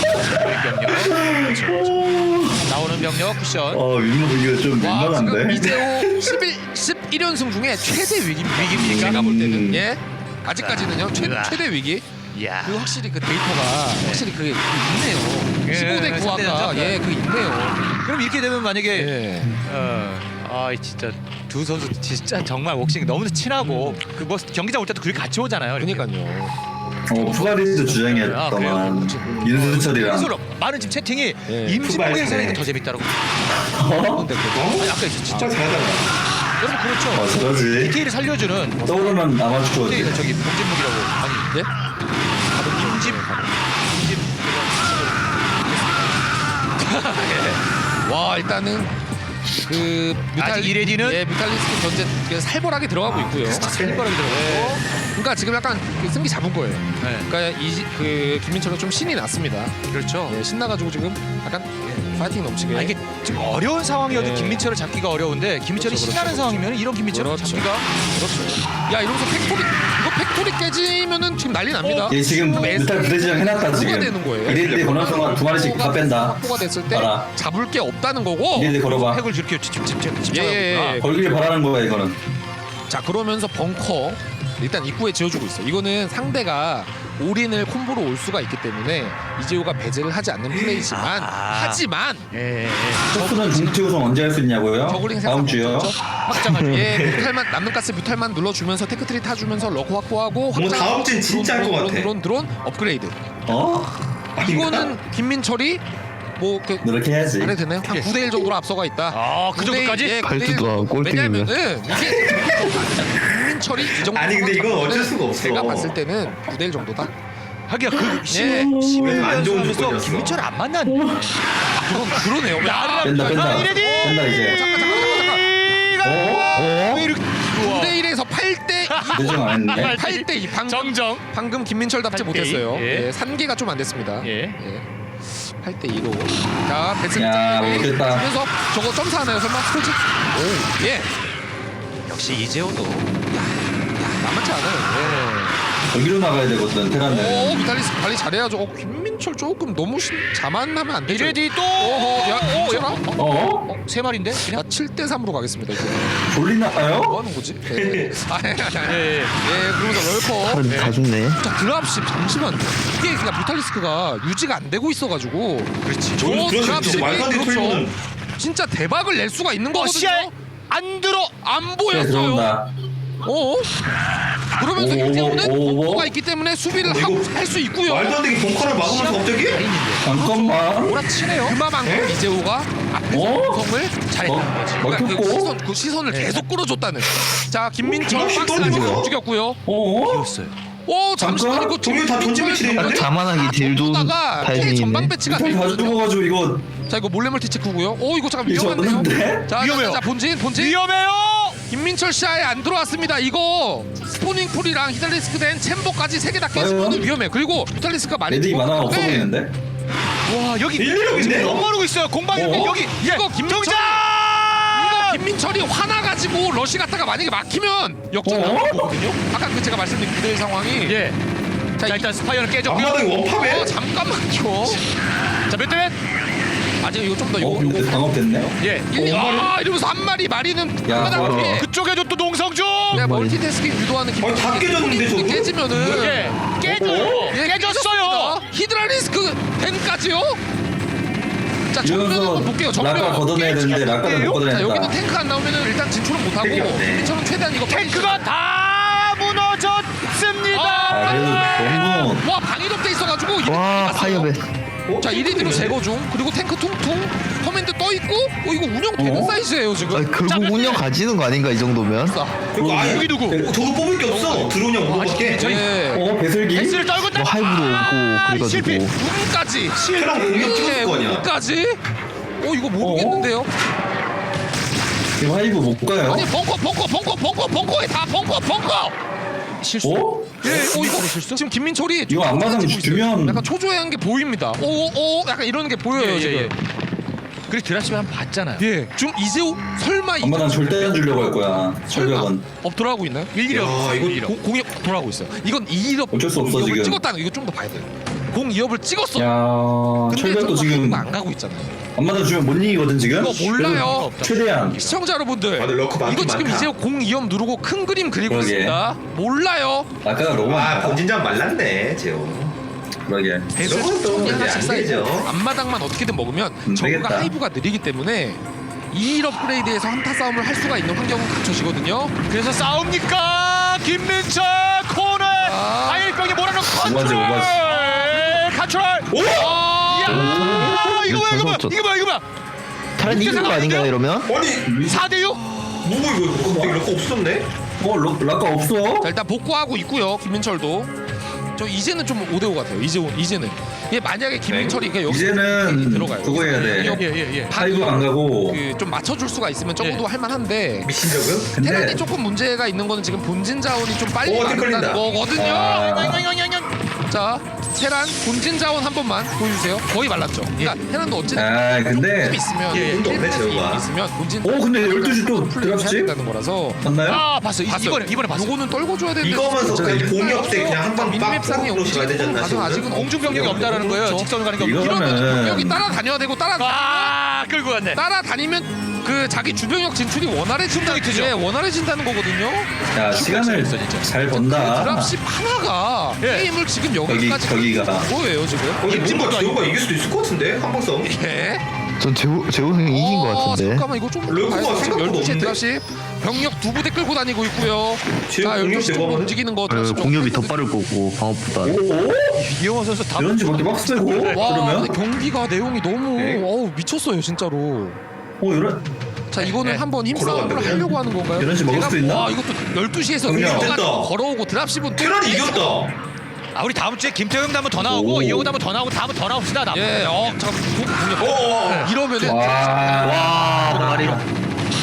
[SPEAKER 2] 있는 병력. 나오는 병력 쿠션.
[SPEAKER 3] 어 민망 이거 좀
[SPEAKER 1] 와 지금
[SPEAKER 3] 민망한데.
[SPEAKER 1] 이재호 십일 십일 연승 중에 최대 위기 위기입니까? 제가 볼 때는
[SPEAKER 3] 음.
[SPEAKER 1] 예 아직까지는요 최,
[SPEAKER 2] 으아.
[SPEAKER 1] 최대 위기.
[SPEAKER 2] 야.
[SPEAKER 1] 그 확실히 그 데이터가 확실히 그게 있네요.
[SPEAKER 2] 예,
[SPEAKER 1] 십오 대 구화가
[SPEAKER 2] 상대전적.
[SPEAKER 1] 예 그 있네요.
[SPEAKER 2] 그럼 이렇게 되면 만약에
[SPEAKER 1] 예.
[SPEAKER 2] 어, 아 진짜 두 선수 진짜 정말 웍싱 너무 친하고 그 뭐 경기장 올 때도 그렇게 같이 오잖아요. 이렇게.
[SPEAKER 1] 그러니까요.
[SPEAKER 3] 어 푸가리도
[SPEAKER 2] 아,
[SPEAKER 3] 주장이었더만 인수철이랑.
[SPEAKER 2] 그래서 많은 지금 채팅이
[SPEAKER 1] 예.
[SPEAKER 2] 임진묵
[SPEAKER 5] 투발
[SPEAKER 2] 해설이
[SPEAKER 5] 잘해.
[SPEAKER 2] 더 재밌다라고.
[SPEAKER 3] 어?
[SPEAKER 1] 근데 그
[SPEAKER 5] 어?
[SPEAKER 2] 아니, 아까 있었지.
[SPEAKER 5] 진짜 잘하잖아.
[SPEAKER 2] 여러분
[SPEAKER 3] 어
[SPEAKER 2] 그렇죠.
[SPEAKER 3] 저러지.
[SPEAKER 2] 디테일을 살려주는
[SPEAKER 3] 떠오르면 아마추어지.
[SPEAKER 2] 디테일 저기 봉진묵이라고 아니
[SPEAKER 1] 예?
[SPEAKER 2] 임진 임진
[SPEAKER 1] 와 일단은 그 뮤탈
[SPEAKER 2] 아직 이레디는?
[SPEAKER 1] 예 뮤탈리스크 견제 그 살벌하게 들어가고 있고요.
[SPEAKER 2] 살벌하게 들어가고.
[SPEAKER 1] 그러니까 지금 약간 그 승기 잡은 거예요.
[SPEAKER 2] 네.
[SPEAKER 1] 그러니까 이그 김민철은 좀 신이 났습니다.
[SPEAKER 2] 그렇죠.
[SPEAKER 1] 예, 신나가지고 지금 약간 예, 파이팅 넘치게.
[SPEAKER 2] 아, 이게 지금 어려운 상황이어도
[SPEAKER 1] 네.
[SPEAKER 2] 김민철을 잡기가 어려운데 김민철이
[SPEAKER 1] 그렇죠,
[SPEAKER 2] 신나는
[SPEAKER 1] 그렇죠,
[SPEAKER 2] 상황이면 이런 김민철을
[SPEAKER 1] 그렇죠.
[SPEAKER 2] 잡기가
[SPEAKER 1] 그렇죠. 야 이러면서 팩토리 이거 팩토리 깨지면은 지금 난리 납니다.
[SPEAKER 3] 얘 지금
[SPEAKER 1] 그럼
[SPEAKER 3] 뮤탈 부대지정 해놨다
[SPEAKER 1] 뭐가
[SPEAKER 3] 지금.
[SPEAKER 1] 되는 거예요?
[SPEAKER 3] 이럴 때 보는 순간 두 마리씩 다 뺀다.
[SPEAKER 1] 확보가 됐을 때
[SPEAKER 3] 봐라.
[SPEAKER 1] 잡을 게 없다는 거고.
[SPEAKER 3] 이럴 때 걸어봐.
[SPEAKER 2] 핵을 저렇게 집집집 집착하고
[SPEAKER 1] 예, 예,
[SPEAKER 2] 있구나.
[SPEAKER 1] 예.
[SPEAKER 3] 걸길 바라는 거야 이거는.
[SPEAKER 1] 자 그러면서 벙커 일단 입구에 지어주고 있어. 이거는 상대가 올인을 콤보로 올 수가 있기 때문에 이재호가 배제를 하지 않는 플레이지만
[SPEAKER 2] 아.
[SPEAKER 1] 하지만
[SPEAKER 2] 예, 예.
[SPEAKER 3] 토스는 공투 우승 언제 할 수 있냐고요?
[SPEAKER 1] 저글링 생각
[SPEAKER 3] 다음 주요.
[SPEAKER 1] 확장을 예 뮤탈만 남는 가스 뮤탈만 눌러주면서 테크트리 타주면서 러커 확보하고
[SPEAKER 5] 뭐 다음 주엔 진짜 할 것
[SPEAKER 1] 드론,
[SPEAKER 5] 같아.
[SPEAKER 1] 드론 드론 드론 업그레이드.
[SPEAKER 3] 어?
[SPEAKER 1] 이거는 김민철이 뭐그
[SPEAKER 3] 노력해 해야지.
[SPEAKER 1] 안 해도 되나요? 한 구 대 일 정도로 앞서가 있다.
[SPEAKER 2] 아, 그
[SPEAKER 1] 구 대 일,
[SPEAKER 2] 정도까지?
[SPEAKER 1] 예, 구 대 일.
[SPEAKER 4] 발수가 꼴등이면.
[SPEAKER 1] 왜냐면은 이게 김민철이 이 정도
[SPEAKER 5] 아니, 근데 이건 어쩔 수가 없어.
[SPEAKER 1] 제가 봤을 때는 구 대 일 정도다.
[SPEAKER 2] 하기야 그
[SPEAKER 1] 예.
[SPEAKER 5] 그래도 안 좋은
[SPEAKER 2] 하면서
[SPEAKER 5] 조건이었어.
[SPEAKER 2] 김민철 안 만난.
[SPEAKER 1] 그런 그러네요.
[SPEAKER 2] 나를
[SPEAKER 3] 뺀다 뺀다.
[SPEAKER 2] 이래디!
[SPEAKER 3] 뺀다 이제.
[SPEAKER 1] 잠깐 잠깐 잠깐
[SPEAKER 2] 시간.
[SPEAKER 3] 어?
[SPEAKER 2] 왜 이렇게
[SPEAKER 1] 구 대 일에서 팔 대 이.
[SPEAKER 3] 대정 안 했네.
[SPEAKER 1] 팔 대 이. 방금
[SPEAKER 2] 정정.
[SPEAKER 1] 방금 김민철답지
[SPEAKER 2] 팔 대 이.
[SPEAKER 1] 못했어요.
[SPEAKER 2] 예.
[SPEAKER 1] 예, 산계가 좀 안 됐습니다.
[SPEAKER 2] 예.
[SPEAKER 1] 팔 대 이로. 자, 배슬
[SPEAKER 3] 야, 못했다.
[SPEAKER 1] 그래서 저거 점사 하나요, 설마? 솔직. 오, 예.
[SPEAKER 2] 역시 이재호도
[SPEAKER 1] 만만치 않아요.
[SPEAKER 3] 여기로 나가야 되거든
[SPEAKER 1] 예.
[SPEAKER 3] 테란은.
[SPEAKER 1] 오, 비탈리스 관리 잘해야죠. 어, 김민철 조금 너무 심, 자만하면 안 되죠.
[SPEAKER 2] 이레디 또.
[SPEAKER 1] 어허, 야,
[SPEAKER 2] 오,
[SPEAKER 1] 김민철아?
[SPEAKER 2] 야.
[SPEAKER 3] 어?
[SPEAKER 2] 어, 세 마리인데?
[SPEAKER 1] 자, 칠 대 삼으로 가겠습니다. 이제.
[SPEAKER 3] 졸리나요?
[SPEAKER 1] 뭐 하는 거지? 예. 아, 예, 예.
[SPEAKER 2] 예, 예.
[SPEAKER 1] 예, 그러면서 럴커.
[SPEAKER 4] 다른 다 죽네.
[SPEAKER 1] 자, 드랍십 잠시만요. 이게 그냥 뮤탈리스크가 유지가 안 되고 있어가지고.
[SPEAKER 2] 그렇지.
[SPEAKER 1] 저
[SPEAKER 5] 저는 그래서
[SPEAKER 1] 드랍십이
[SPEAKER 5] 진짜 말도 안 되게
[SPEAKER 1] 그렇죠.
[SPEAKER 5] 털리면은
[SPEAKER 1] 진짜 대박을 낼 수가 있는
[SPEAKER 2] 어,
[SPEAKER 1] 거거든요.
[SPEAKER 2] 시야에 안 들어.
[SPEAKER 1] 안
[SPEAKER 3] 네,
[SPEAKER 1] 보였어요.
[SPEAKER 3] 들어온다.
[SPEAKER 1] 어? 그러면서
[SPEAKER 3] 오,
[SPEAKER 1] 이재호는
[SPEAKER 3] 오, 오.
[SPEAKER 1] 벙커가 있기 때문에 수비를
[SPEAKER 5] 근데 이거
[SPEAKER 1] 할 수 있고요.
[SPEAKER 5] 말도 안 되게 벙커를 막으면서 갑자기?
[SPEAKER 3] 잠깐만.
[SPEAKER 1] 몰아치네요. 그만큼
[SPEAKER 5] 에?
[SPEAKER 1] 이재호가 앞에서
[SPEAKER 3] 어?
[SPEAKER 1] 구성을 잘했다는
[SPEAKER 3] 어?
[SPEAKER 1] 거지. 그러니까 그
[SPEAKER 3] 막혔고?
[SPEAKER 1] 시선, 그 시선을 계속 끌어줬다는. 자, 김민철
[SPEAKER 5] 어,
[SPEAKER 1] 박스
[SPEAKER 5] 떨어지고요.
[SPEAKER 1] 안에서 움직였고요.
[SPEAKER 3] 어?
[SPEAKER 2] 비었어요.
[SPEAKER 1] 오, 잠시만
[SPEAKER 3] 잠깐?
[SPEAKER 1] 이거
[SPEAKER 5] 종일 다 던지 배치됐는데?
[SPEAKER 4] 자만하기 딜도
[SPEAKER 1] 다가
[SPEAKER 4] 타이밍이네.
[SPEAKER 1] 전방 배치가
[SPEAKER 3] 일단 다
[SPEAKER 1] 되거든요.
[SPEAKER 3] 죽어가지고 이거
[SPEAKER 1] 자, 이거 몰래 멀티 체크고요. 오, 이거 잠깐
[SPEAKER 3] 이거
[SPEAKER 1] 위험한데요.
[SPEAKER 3] 없는데?
[SPEAKER 1] 자,
[SPEAKER 2] 위험해요.
[SPEAKER 1] 자, 자, 본진 본진.
[SPEAKER 2] 위험해요.
[SPEAKER 1] 김민철 시야에 안 들어왔습니다. 이거 스포닝 풀이랑 히달리스크 된 챔버까지 세 개 다 깨지면
[SPEAKER 3] 과연?
[SPEAKER 1] 위험해. 그리고 뮤탈리스크가 많이
[SPEAKER 3] 레딩이 만화가 없어
[SPEAKER 1] 죽었는데
[SPEAKER 3] 보이는데?
[SPEAKER 2] 와, 여기
[SPEAKER 5] 일리력인데?
[SPEAKER 2] 지금 너무 모르고 있어요. 공방이
[SPEAKER 3] 어?
[SPEAKER 2] 여기. 예.
[SPEAKER 1] 이거 김민철이-
[SPEAKER 2] 정장!
[SPEAKER 1] 이거 김민철이 화나가지고 러시 갔다가 만약에 막히면 역전
[SPEAKER 3] 어?
[SPEAKER 1] 나올 거거든요. 아까 그 제가 말씀드린 그대의 상황이.
[SPEAKER 2] 예.
[SPEAKER 1] 자,
[SPEAKER 2] 자,
[SPEAKER 1] 이-
[SPEAKER 2] 일단 스파이어는 깨졌고요.
[SPEAKER 5] 앞마당에 원팝에?
[SPEAKER 1] 어, 잠깐만요.
[SPEAKER 2] 자, 몇 대 몇?
[SPEAKER 1] 아직 이거 좀 더
[SPEAKER 3] 어
[SPEAKER 1] 요거
[SPEAKER 3] 근데
[SPEAKER 1] 요거.
[SPEAKER 3] 방업됐네?
[SPEAKER 2] 예.
[SPEAKER 1] 일, 아, 이러면서 한 마리 마리는
[SPEAKER 3] 야,
[SPEAKER 1] 한마당
[SPEAKER 3] 바로.
[SPEAKER 1] 피해.
[SPEAKER 2] 그쪽에도 또 농성중.
[SPEAKER 1] 내가
[SPEAKER 4] 마리.
[SPEAKER 1] 멀티태스킹 유도하는
[SPEAKER 5] 아니, 다 깨졌는데, 저거?
[SPEAKER 1] 깨지면은
[SPEAKER 2] 예. 깨져요.
[SPEAKER 1] 예,
[SPEAKER 2] 깨졌어요.
[SPEAKER 1] 히드라리스크 댐까지요? 자, 정면을
[SPEAKER 3] 이러면서
[SPEAKER 1] 한번 볼게요. 정면.
[SPEAKER 3] 락가 걷어내야 되는데 락가를 못
[SPEAKER 1] 자, 여기는
[SPEAKER 3] 걷어냈다.
[SPEAKER 1] 탱크 안 나오면은 일단 진출은 못 하고
[SPEAKER 5] 탱크 없네.
[SPEAKER 1] 김민철은 최대한 이거
[SPEAKER 2] 탱크가 다 무너졌습니다.
[SPEAKER 3] 아 그래도 너무
[SPEAKER 1] 와, 방위롭 돼 있어가지고 이렇게
[SPEAKER 4] 와
[SPEAKER 1] 갔어요.
[SPEAKER 4] 파이어벳.
[SPEAKER 5] 어?
[SPEAKER 1] 자, 일 인 뒤로 제거 중. 그리고 탱크 퉁퉁 커맨드 떠 있고. 어, 이거 운영되는
[SPEAKER 3] 어?
[SPEAKER 1] 사이즈예요 지금.
[SPEAKER 4] 아, 결국 운영 가지는 거 아닌가 이 정도면?
[SPEAKER 1] 자,
[SPEAKER 5] 그리고 아예
[SPEAKER 2] 여기 누구?
[SPEAKER 5] 어, 저거 뽑을 게 없어. 들어오냐 못 뽑을게.
[SPEAKER 1] 예.
[SPEAKER 3] 어 배슬기?
[SPEAKER 2] S를 떨고
[SPEAKER 4] 뭐 하이브도 오고
[SPEAKER 2] 실패.
[SPEAKER 4] 그래가지고
[SPEAKER 1] 운까지.
[SPEAKER 5] 테랑 공격 찍었을 거 아니야.
[SPEAKER 1] 운까지. 어, 이거 모르겠는데요.
[SPEAKER 3] 지금 하이브 못 가요?
[SPEAKER 1] 아니, 벙커 벙커 벙커 벙커 벙커에 다 벙커 벙커.
[SPEAKER 2] 실수.
[SPEAKER 3] 어?
[SPEAKER 1] 예, 어, 이거 지금 김민철이
[SPEAKER 3] 이거 앞마당
[SPEAKER 1] 좀
[SPEAKER 3] 주면-
[SPEAKER 1] 약간 초조해한 게 보입니다. 오, 오, 약간 이런 게 보여요
[SPEAKER 2] 예,
[SPEAKER 1] 지금.
[SPEAKER 2] 예, 예. 그리고 드랍십을 한번 봤잖아요.
[SPEAKER 1] 예, 지금 이재호 설마 이
[SPEAKER 3] 엄마는 절대 안 주려고 할 거야.
[SPEAKER 1] 설마
[SPEAKER 3] 철벽은.
[SPEAKER 1] 업 돌아가고 있나요?
[SPEAKER 2] 일일이
[SPEAKER 5] 야,
[SPEAKER 2] 없어.
[SPEAKER 5] 이거
[SPEAKER 2] 일일이 없어.
[SPEAKER 1] 공, 공이 돌아가고 있어요. 이건 이 업
[SPEAKER 3] 어쩔 수 없어,
[SPEAKER 1] 을
[SPEAKER 3] 지금.
[SPEAKER 1] 찍었다는 거 이거 좀 더 봐야 돼요. 공 이 업을 찍었어.
[SPEAKER 3] 야
[SPEAKER 1] 근데
[SPEAKER 3] 철벽도
[SPEAKER 1] 저거
[SPEAKER 3] 지금
[SPEAKER 1] 안 가고 있잖아요.
[SPEAKER 3] 엄마는 주면 못 이기거든 지금?
[SPEAKER 1] 이거 몰라요.
[SPEAKER 3] 그래도 최대한
[SPEAKER 1] 시청자 여러분들,
[SPEAKER 5] 아, 근데 러커 많긴
[SPEAKER 1] 이거 지금
[SPEAKER 5] 많다.
[SPEAKER 1] 이재호 공 이 업 누르고 큰 그림 그리고
[SPEAKER 3] 그러게.
[SPEAKER 1] 있습니다. 몰라요.
[SPEAKER 3] 아까가 너무
[SPEAKER 5] 아
[SPEAKER 3] 많다.
[SPEAKER 5] 본진장 말랐네 재호.
[SPEAKER 3] 그러게.
[SPEAKER 1] 배수
[SPEAKER 5] 저건 또
[SPEAKER 1] 천천히
[SPEAKER 5] 이제
[SPEAKER 1] 하나씩
[SPEAKER 5] 안
[SPEAKER 1] 쌓이고
[SPEAKER 5] 되죠.
[SPEAKER 1] 앞마당만 어떻게든 먹으면
[SPEAKER 3] 음,
[SPEAKER 1] 저거가
[SPEAKER 3] 되겠다.
[SPEAKER 1] 하이브가 느리기 때문에 이 일 업그레이드에서 한타 싸움을 할 수가 있는 환경은 갖춰지거든요.
[SPEAKER 2] 그래서 싸웁니까? 김민철 코너.
[SPEAKER 1] 아.
[SPEAKER 2] 아일병이 몰아넣고
[SPEAKER 3] 오바지,
[SPEAKER 2] 컨트롤.
[SPEAKER 3] 오바지.
[SPEAKER 2] 컨트롤.
[SPEAKER 5] 오!
[SPEAKER 2] 야!
[SPEAKER 4] 오.
[SPEAKER 2] 이거 뭐야 이거 뭐야
[SPEAKER 4] 잘
[SPEAKER 2] 이거 뭐야 이거 뭐야?
[SPEAKER 4] 타란 이긴 거 아닌가요 이러면?
[SPEAKER 5] 아니
[SPEAKER 2] 사 대 육?
[SPEAKER 5] 뭐고 이거 갑자기 럭커 없었네?
[SPEAKER 3] 어 락- 락가 없어?
[SPEAKER 1] 자, 일단 복구하고 있고요. 김민철도. 저 이제는 좀 오 대 오 같아요. 이제 이제는. 이게 만약에 김민철이 그냥 여기
[SPEAKER 3] 이제는
[SPEAKER 1] 들어가요.
[SPEAKER 3] 그거 해야 돼.
[SPEAKER 1] 여기
[SPEAKER 2] 예예 예.
[SPEAKER 3] 하이브 안 가고.
[SPEAKER 1] 그좀 맞춰줄 수가 있으면 적어도 할만한데.
[SPEAKER 5] 미친 적은?
[SPEAKER 1] 테란이
[SPEAKER 3] 근데
[SPEAKER 1] 조금 문제가 있는 거는 지금 본진 자원이 좀 빨리
[SPEAKER 5] 오,
[SPEAKER 1] 마른다는
[SPEAKER 5] 헷갈린다.
[SPEAKER 1] 거거든요.
[SPEAKER 3] 아,
[SPEAKER 1] 자, 테란 본진 자원 한 번만 보여주세요. 거의 말랐죠. 그러니까 테란도 어쨌든
[SPEAKER 3] 아 근데
[SPEAKER 1] 힘 있으면
[SPEAKER 5] 예, 운도 없네,
[SPEAKER 1] 힘
[SPEAKER 5] 제호가.
[SPEAKER 1] 있으면 본진.
[SPEAKER 3] 오, 근데 열두 시 또
[SPEAKER 1] 플레이를 해야
[SPEAKER 3] 들어갔지?
[SPEAKER 1] 된다는 거라서.
[SPEAKER 3] 맞나요?
[SPEAKER 2] 아 봤어. 이-
[SPEAKER 1] 봤어요.
[SPEAKER 2] 이번에 이번에 봤어.
[SPEAKER 1] 요거는 떨궈줘야 되는데.
[SPEAKER 5] 이거면서
[SPEAKER 1] 진짜
[SPEAKER 5] 그냥 공이 없애 그냥 한방 빡
[SPEAKER 1] 민맵상의
[SPEAKER 5] 프로로 가야 되지 않나
[SPEAKER 1] 가서
[SPEAKER 5] 지금?
[SPEAKER 1] 아직은
[SPEAKER 2] 공중 병력이 없다라는 거예요. 직선으로 가는 게 없.
[SPEAKER 3] 이거-
[SPEAKER 1] 이러면
[SPEAKER 3] 이거는-
[SPEAKER 1] 병력이 따라다녀야 되고 따라
[SPEAKER 2] 아 끌고 갔네.
[SPEAKER 1] 따라다니면 그 자기 주병력 진출이 원활해진다.
[SPEAKER 2] 트죠.
[SPEAKER 1] 예, 원활해진다는 거거든요.
[SPEAKER 3] 야 시간을 잘 번다.
[SPEAKER 1] 드랍십 하나가
[SPEAKER 2] 예.
[SPEAKER 1] 게임을 지금
[SPEAKER 3] 여기
[SPEAKER 1] 여기까지
[SPEAKER 3] 저기가
[SPEAKER 1] 뭐예요 지금?
[SPEAKER 5] 어, 근데 뭔가 재호가 이길 수도 있을 것 같은데 한방 싸움.
[SPEAKER 1] 예.
[SPEAKER 4] 전 재호 재호 형이 이긴 거
[SPEAKER 1] 어,
[SPEAKER 4] 같은데.
[SPEAKER 1] 잠깐만 이거 좀
[SPEAKER 5] 르코가
[SPEAKER 1] 봐야죠. 지금
[SPEAKER 5] 생각보다
[SPEAKER 1] 열두 시에
[SPEAKER 5] 없는데?
[SPEAKER 1] 드랍십 병력 두 부대 끌고 다니고 있고요.
[SPEAKER 5] 지금
[SPEAKER 1] 자,
[SPEAKER 5] 공격
[SPEAKER 1] 열두 시 정도
[SPEAKER 5] 대박하네?
[SPEAKER 1] 움직이는 거
[SPEAKER 4] 그
[SPEAKER 1] 드랍십
[SPEAKER 4] 공격이 더
[SPEAKER 1] 정도
[SPEAKER 4] 빠를 거고 방어보다.
[SPEAKER 3] 오?
[SPEAKER 2] 이영호 선수 다.
[SPEAKER 3] 이런지 밖에 막 쓰고
[SPEAKER 1] 와,
[SPEAKER 3] 그러면?
[SPEAKER 1] 근데 경기가 내용이 너무
[SPEAKER 5] 네.
[SPEAKER 1] 어우 미쳤어요 진짜로.
[SPEAKER 3] 어 이런
[SPEAKER 1] 자, 이거는
[SPEAKER 2] 네.
[SPEAKER 1] 한번 힘싸움을
[SPEAKER 5] 걸어간다고요?
[SPEAKER 1] 하려고 하는 건가요?
[SPEAKER 3] 이런 식 먹을
[SPEAKER 1] 제가-
[SPEAKER 3] 수도 있나?
[SPEAKER 1] 와, 이것도 열두 시에서
[SPEAKER 3] 그럼요.
[SPEAKER 5] 됐다.
[SPEAKER 1] 걸어오고 드랍십은 또
[SPEAKER 5] 테란이 이겼다.
[SPEAKER 2] 아 우리 다음 주에 김태형도 한번 더 나오고
[SPEAKER 3] 오.
[SPEAKER 2] 이영호도 한번 더 나오고 다음은 더 나옵시다. 나.
[SPEAKER 1] 예, 어, 잠깐 공 공격.
[SPEAKER 5] 어, 어.
[SPEAKER 1] 이러면은
[SPEAKER 3] 와
[SPEAKER 4] 와 말이라.
[SPEAKER 1] 이러면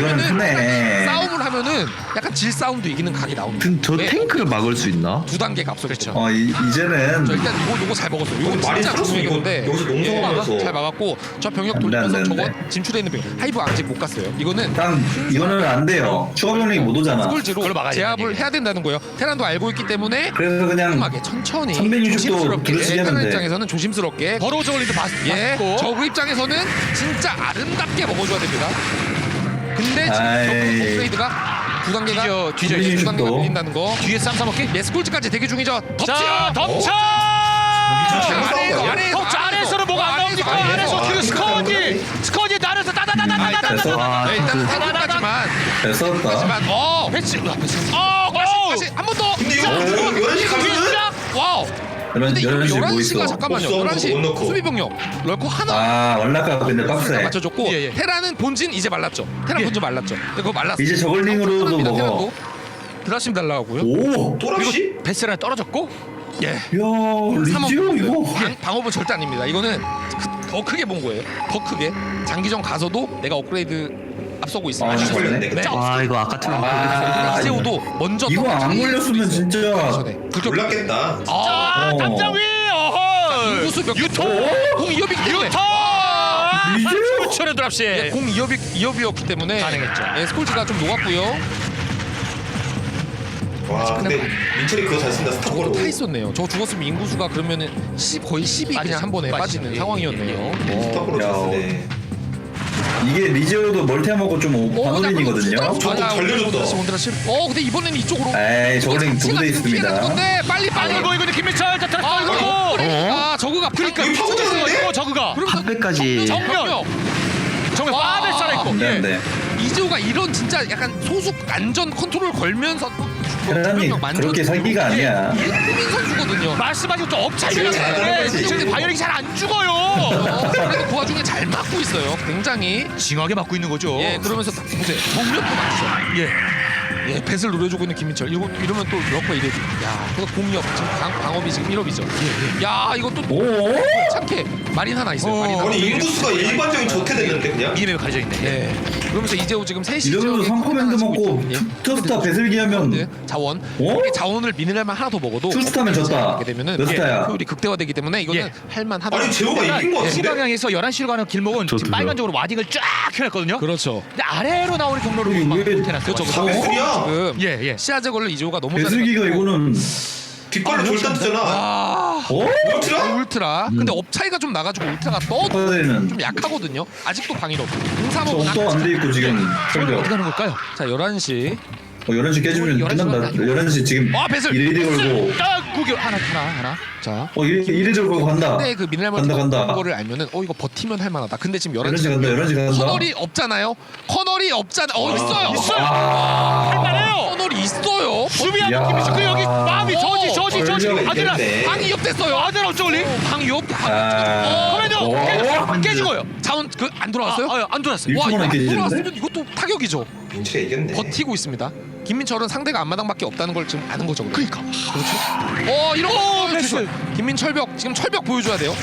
[SPEAKER 3] 이거는
[SPEAKER 1] 하면은
[SPEAKER 3] 크네.
[SPEAKER 1] 싸움을 하면은 약간 질 싸움도 이기는 각이 나옵니다.
[SPEAKER 4] 근 저
[SPEAKER 1] 왜?
[SPEAKER 4] 탱크를 막을 수 있나?
[SPEAKER 1] 두 단계가 앞서 그렇죠.
[SPEAKER 3] 어 이, 이제는
[SPEAKER 1] 저 일단 이거 요거 잘 먹었어요. 이거
[SPEAKER 5] 말이
[SPEAKER 1] 진짜
[SPEAKER 5] 살았어, 이거.
[SPEAKER 1] 중요했는데
[SPEAKER 5] 여기서 농성하면서.
[SPEAKER 1] 잘 막았고 저 병력
[SPEAKER 3] 안 돼, 안
[SPEAKER 1] 돌리면서
[SPEAKER 3] 돼,
[SPEAKER 1] 저거
[SPEAKER 3] 안 돼.
[SPEAKER 1] 진출해 있는 병력 하이브 아직 못 갔어요. 이거는
[SPEAKER 3] 일단 이거는 안 돼요. 추가 병력이 못 오잖아.
[SPEAKER 1] 스콜지로
[SPEAKER 2] 그걸 막아야
[SPEAKER 1] 제압을
[SPEAKER 2] 된다는
[SPEAKER 1] 해야 된다는 거예요. 테란도 알고 있기 때문에
[SPEAKER 3] 그래서 그냥
[SPEAKER 1] 꼼꼼하게 천천히
[SPEAKER 3] 삼백육십 도
[SPEAKER 1] 조심스럽게
[SPEAKER 3] 두루치기 하면
[SPEAKER 1] 테란
[SPEAKER 3] 돼.
[SPEAKER 1] 입장에서는 조심스럽게
[SPEAKER 2] 버로우 저글링도 봤,
[SPEAKER 1] 예,
[SPEAKER 2] 봤고
[SPEAKER 1] 저그 입장에서는 진짜 아름답게 먹어줘야 됩니다. 근데 지금
[SPEAKER 3] 아이.
[SPEAKER 1] 저그 업그레이드가 두 단계가
[SPEAKER 2] 뒤져, 뒤져
[SPEAKER 3] 있어.
[SPEAKER 1] 두 단계가
[SPEAKER 3] 또.
[SPEAKER 1] 밀린다는 거.
[SPEAKER 2] 뒤에 쌈 싸먹기.
[SPEAKER 1] 예, 스콜지까지 대기 중이죠. 덮치요.
[SPEAKER 2] 자 덮쳐
[SPEAKER 1] 아래에서, 아래에서,
[SPEAKER 2] 덮쳐 안에서는 뭐가 안 나옵니까?
[SPEAKER 1] 아래에서,
[SPEAKER 2] 안에서
[SPEAKER 5] 아래에서.
[SPEAKER 2] 뒤에 스커지 스커지 나르서
[SPEAKER 1] 아, 일단
[SPEAKER 2] 따다다다다다다다
[SPEAKER 4] 아,
[SPEAKER 1] 네, 일단
[SPEAKER 4] 그-
[SPEAKER 1] 사고까지만
[SPEAKER 3] 잘 썼다.
[SPEAKER 1] 하지만 어
[SPEAKER 2] 배치 어
[SPEAKER 1] 다시 한 번 더.
[SPEAKER 5] 근데 이거 열한 시 가면은
[SPEAKER 1] 와우.
[SPEAKER 3] 열한
[SPEAKER 1] 근데 이거
[SPEAKER 3] 열한 시 뭐
[SPEAKER 1] 열한 시가
[SPEAKER 3] 있어?
[SPEAKER 1] 잠깐만요.
[SPEAKER 5] 없어,
[SPEAKER 1] 열한 시
[SPEAKER 5] 못 넣고.
[SPEAKER 1] 수비 병력 럴코 하나
[SPEAKER 3] 아 월라카 근데 빡세.
[SPEAKER 1] 맞춰줬고
[SPEAKER 2] 예, 예.
[SPEAKER 1] 테라는 본진 이제 말랐죠. 테라
[SPEAKER 2] 예.
[SPEAKER 1] 본진 말랐죠. 근데 그거 말랐어.
[SPEAKER 3] 이제 저글링으로도
[SPEAKER 1] 테란입니다,
[SPEAKER 3] 먹어.
[SPEAKER 1] 테란도. 드라심 달라고요.
[SPEAKER 3] 오.
[SPEAKER 5] 또랍시?
[SPEAKER 2] 베스랑 떨어졌고
[SPEAKER 1] 예.
[SPEAKER 3] 야 리지오 이거.
[SPEAKER 1] 방, 방어은 절대 아닙니다. 이거는 크- 더 크게 본 거예요. 더 크게 장기전 가서도 내가 업그레이드 앞서고 있습니다.
[SPEAKER 3] 아,
[SPEAKER 5] 아주
[SPEAKER 3] 걸렸네.
[SPEAKER 5] 걸렸네.
[SPEAKER 1] 네.
[SPEAKER 4] 와 이거 아까처럼
[SPEAKER 3] 아,
[SPEAKER 1] 이세호도 먼저
[SPEAKER 3] 이거 안
[SPEAKER 1] 떨어지는
[SPEAKER 3] 걸렸으면
[SPEAKER 1] 수도 있어요.
[SPEAKER 3] 진짜.
[SPEAKER 1] 전에. 그렇게
[SPEAKER 5] 놀랐겠다.
[SPEAKER 1] 아,
[SPEAKER 2] 자
[SPEAKER 3] 어.
[SPEAKER 2] 담장 위 어허
[SPEAKER 1] 인구수 몇
[SPEAKER 2] 유토
[SPEAKER 1] 공 이업이기 때문에
[SPEAKER 2] 유토
[SPEAKER 3] 리지오?
[SPEAKER 2] 천연 드랍시
[SPEAKER 1] 예, 공 이업이 이업이었기 때문에
[SPEAKER 2] 가능했죠.
[SPEAKER 1] 예, 스콜지가 좀 녹았고요.
[SPEAKER 5] 와 근데 민철이 그거 잘 쓴다
[SPEAKER 1] 저거
[SPEAKER 5] 스탑으로.
[SPEAKER 1] 타 있었네요. 저거 죽었으면 인구수가 그러면은 십 거의 십이
[SPEAKER 2] 빠지죠.
[SPEAKER 1] 그냥 한 번에
[SPEAKER 2] 빠지죠.
[SPEAKER 1] 빠지는
[SPEAKER 2] 예,
[SPEAKER 1] 상황이었네요.
[SPEAKER 5] 스탑으로
[SPEAKER 3] 야,
[SPEAKER 5] 잘 쓰네.
[SPEAKER 3] 이게 리지오도 멀티하고 좀
[SPEAKER 1] 어,
[SPEAKER 3] 반올린이거든요.
[SPEAKER 5] 저거 달려줬다.
[SPEAKER 1] 온드라시. 어, 근데 이번에는 이쪽으로.
[SPEAKER 3] 에이 저글링 두 대 있습니다.
[SPEAKER 1] 건데 빨리 빨리.
[SPEAKER 2] 아이고 이거 김민철 자
[SPEAKER 1] 아,
[SPEAKER 2] 들어가고
[SPEAKER 1] 이거. 아, 저거가
[SPEAKER 2] 그러니까
[SPEAKER 5] 이거 파고 들어갔는데?
[SPEAKER 2] 이거 저그가
[SPEAKER 4] 한배까지
[SPEAKER 2] 정면 정면
[SPEAKER 1] 와.
[SPEAKER 2] 빠벨 살아있고
[SPEAKER 3] 안
[SPEAKER 2] 예.
[SPEAKER 3] 되는데.
[SPEAKER 1] 이재호가 이런 진짜 약간 소수 안전 컨트롤 걸면서 또
[SPEAKER 3] 테란이 그렇게 사기가 아니야.
[SPEAKER 1] 일품인 선수거든요.
[SPEAKER 2] 말씀하신 또 업차이가
[SPEAKER 5] 이거 잘
[SPEAKER 2] 있는데
[SPEAKER 5] 들어가지.
[SPEAKER 2] 지금 바이오닉이 잘 안 죽어요
[SPEAKER 1] 어, 그래도 그 와중에 잘 막고 있어요. 굉장히.
[SPEAKER 2] 징하게 맞고 있는 거죠
[SPEAKER 1] 예, 그러면서 딱 보세요. 정면도 맞죠.
[SPEAKER 2] 예.
[SPEAKER 1] 예, 뱃을 노려주고 있는 김민철. 이러, 이러면 또 럭커 이래지. 야, 그거 공이업 지금 방, 방업이 지금 일 업이죠. 예, 예. 야, 이것도 또
[SPEAKER 3] 오.
[SPEAKER 1] 참게 마린 하나 있어요.
[SPEAKER 2] 어.
[SPEAKER 1] 마린 하나.
[SPEAKER 5] 아니 인구수가 일반적인 저태 됐는데 그냥.
[SPEAKER 2] 이름에 가려져 있네
[SPEAKER 1] 예. 그러면서 이재호 지금 셋이
[SPEAKER 3] 이러면서 삼 커맨드 먹고 투스타 배슬기 하면
[SPEAKER 1] 예. 자원.
[SPEAKER 3] 어?
[SPEAKER 1] 이게 자원을 미네랄만 하나 더 먹어도
[SPEAKER 3] 투스타면 졌다.
[SPEAKER 1] 하게 되면은
[SPEAKER 3] 몇 스타야?
[SPEAKER 1] 효율이 극대화되기 때문에 이거는
[SPEAKER 2] 예.
[SPEAKER 1] 할만하다.
[SPEAKER 5] 아니 재호가 이긴 거
[SPEAKER 2] 이
[SPEAKER 5] 같은데.
[SPEAKER 2] 방향에서 열한 시로 가는 길목은
[SPEAKER 4] 저
[SPEAKER 2] 지금
[SPEAKER 4] 들어요.
[SPEAKER 2] 빨간적으로 와딩을 쫙 켜놨거든요
[SPEAKER 1] 그렇죠.
[SPEAKER 2] 근데 아래로 나오는 경로를
[SPEAKER 3] 이게
[SPEAKER 2] 막
[SPEAKER 3] 왜-
[SPEAKER 2] 못해놨어요
[SPEAKER 1] 그렇죠.
[SPEAKER 5] 사 배슬이야.
[SPEAKER 1] 지금
[SPEAKER 2] 예, 예.
[SPEAKER 1] 시야 제거를 이재호가 너무
[SPEAKER 3] 배슬기가
[SPEAKER 1] 잘해가지고.
[SPEAKER 3] 이거는
[SPEAKER 5] 뒷발로 졸다 뜨잖아.
[SPEAKER 1] 아,
[SPEAKER 3] 어?
[SPEAKER 5] 울트라?
[SPEAKER 1] 울트라. 근데 업 차이가 좀 나가지고 울트라가 떠도
[SPEAKER 3] 퍼데는
[SPEAKER 1] 좀 약하거든요. 아직도 방위로. 공삼업은
[SPEAKER 3] 저또 안 돼 있고 지금
[SPEAKER 2] 어디
[SPEAKER 3] 철벽.
[SPEAKER 2] 가는 걸까요?
[SPEAKER 1] 자, 열한 시.
[SPEAKER 3] 어, 열한 시 깨지면
[SPEAKER 2] 열한 시
[SPEAKER 3] 끝난다.
[SPEAKER 2] 아니고.
[SPEAKER 3] 열한 시 지금
[SPEAKER 1] 아, 배슬!
[SPEAKER 3] 일일이 걸고
[SPEAKER 2] 딱 구겨 하나 하나 하나
[SPEAKER 1] 자.
[SPEAKER 3] 어 이리 이리 걸고 간다.
[SPEAKER 1] 근데 그 미네랄
[SPEAKER 3] 간다, 간다.
[SPEAKER 1] 거를 알면은 어 이거 버티면 할 만하다. 근데 지금 열한
[SPEAKER 3] 열한 시
[SPEAKER 1] 시
[SPEAKER 3] 간다. 열한 시 간다.
[SPEAKER 1] 커널이 없잖아요. 커널이 없잖아. 어, 있어요.
[SPEAKER 2] 있어요
[SPEAKER 3] 아.
[SPEAKER 2] 할만해요
[SPEAKER 1] 커널이 있어요.
[SPEAKER 2] 수비하고
[SPEAKER 3] 야.
[SPEAKER 2] 김민철 그 여기 마음이 저지 저지 저지
[SPEAKER 5] 걸려가
[SPEAKER 2] 아들아
[SPEAKER 5] 있겠네.
[SPEAKER 1] 방이 옆됐어요.
[SPEAKER 2] 아들아 어쩌리
[SPEAKER 1] 방이요?
[SPEAKER 3] 아.
[SPEAKER 2] 커맨더
[SPEAKER 3] 오.
[SPEAKER 2] 깨- 깨진 거예요
[SPEAKER 1] 자원 그 안 돌아왔어요?
[SPEAKER 2] 아, 아, 안 돌았어요
[SPEAKER 3] 일-
[SPEAKER 1] 와, 이거
[SPEAKER 3] 일주만
[SPEAKER 1] 안
[SPEAKER 3] 깨지는데?
[SPEAKER 1] 돌아왔으면 이것도 타격이죠.
[SPEAKER 5] 민철이 이겼네.
[SPEAKER 1] 버티고 있습니다. 김민철은 상대가 앞마당밖에 없다는 걸 지금 아는 거죠. 그러니까. 그렇죠. 어, 이런 거
[SPEAKER 2] 패스.
[SPEAKER 1] 김민철벽 지금 철벽 보여줘야 돼요.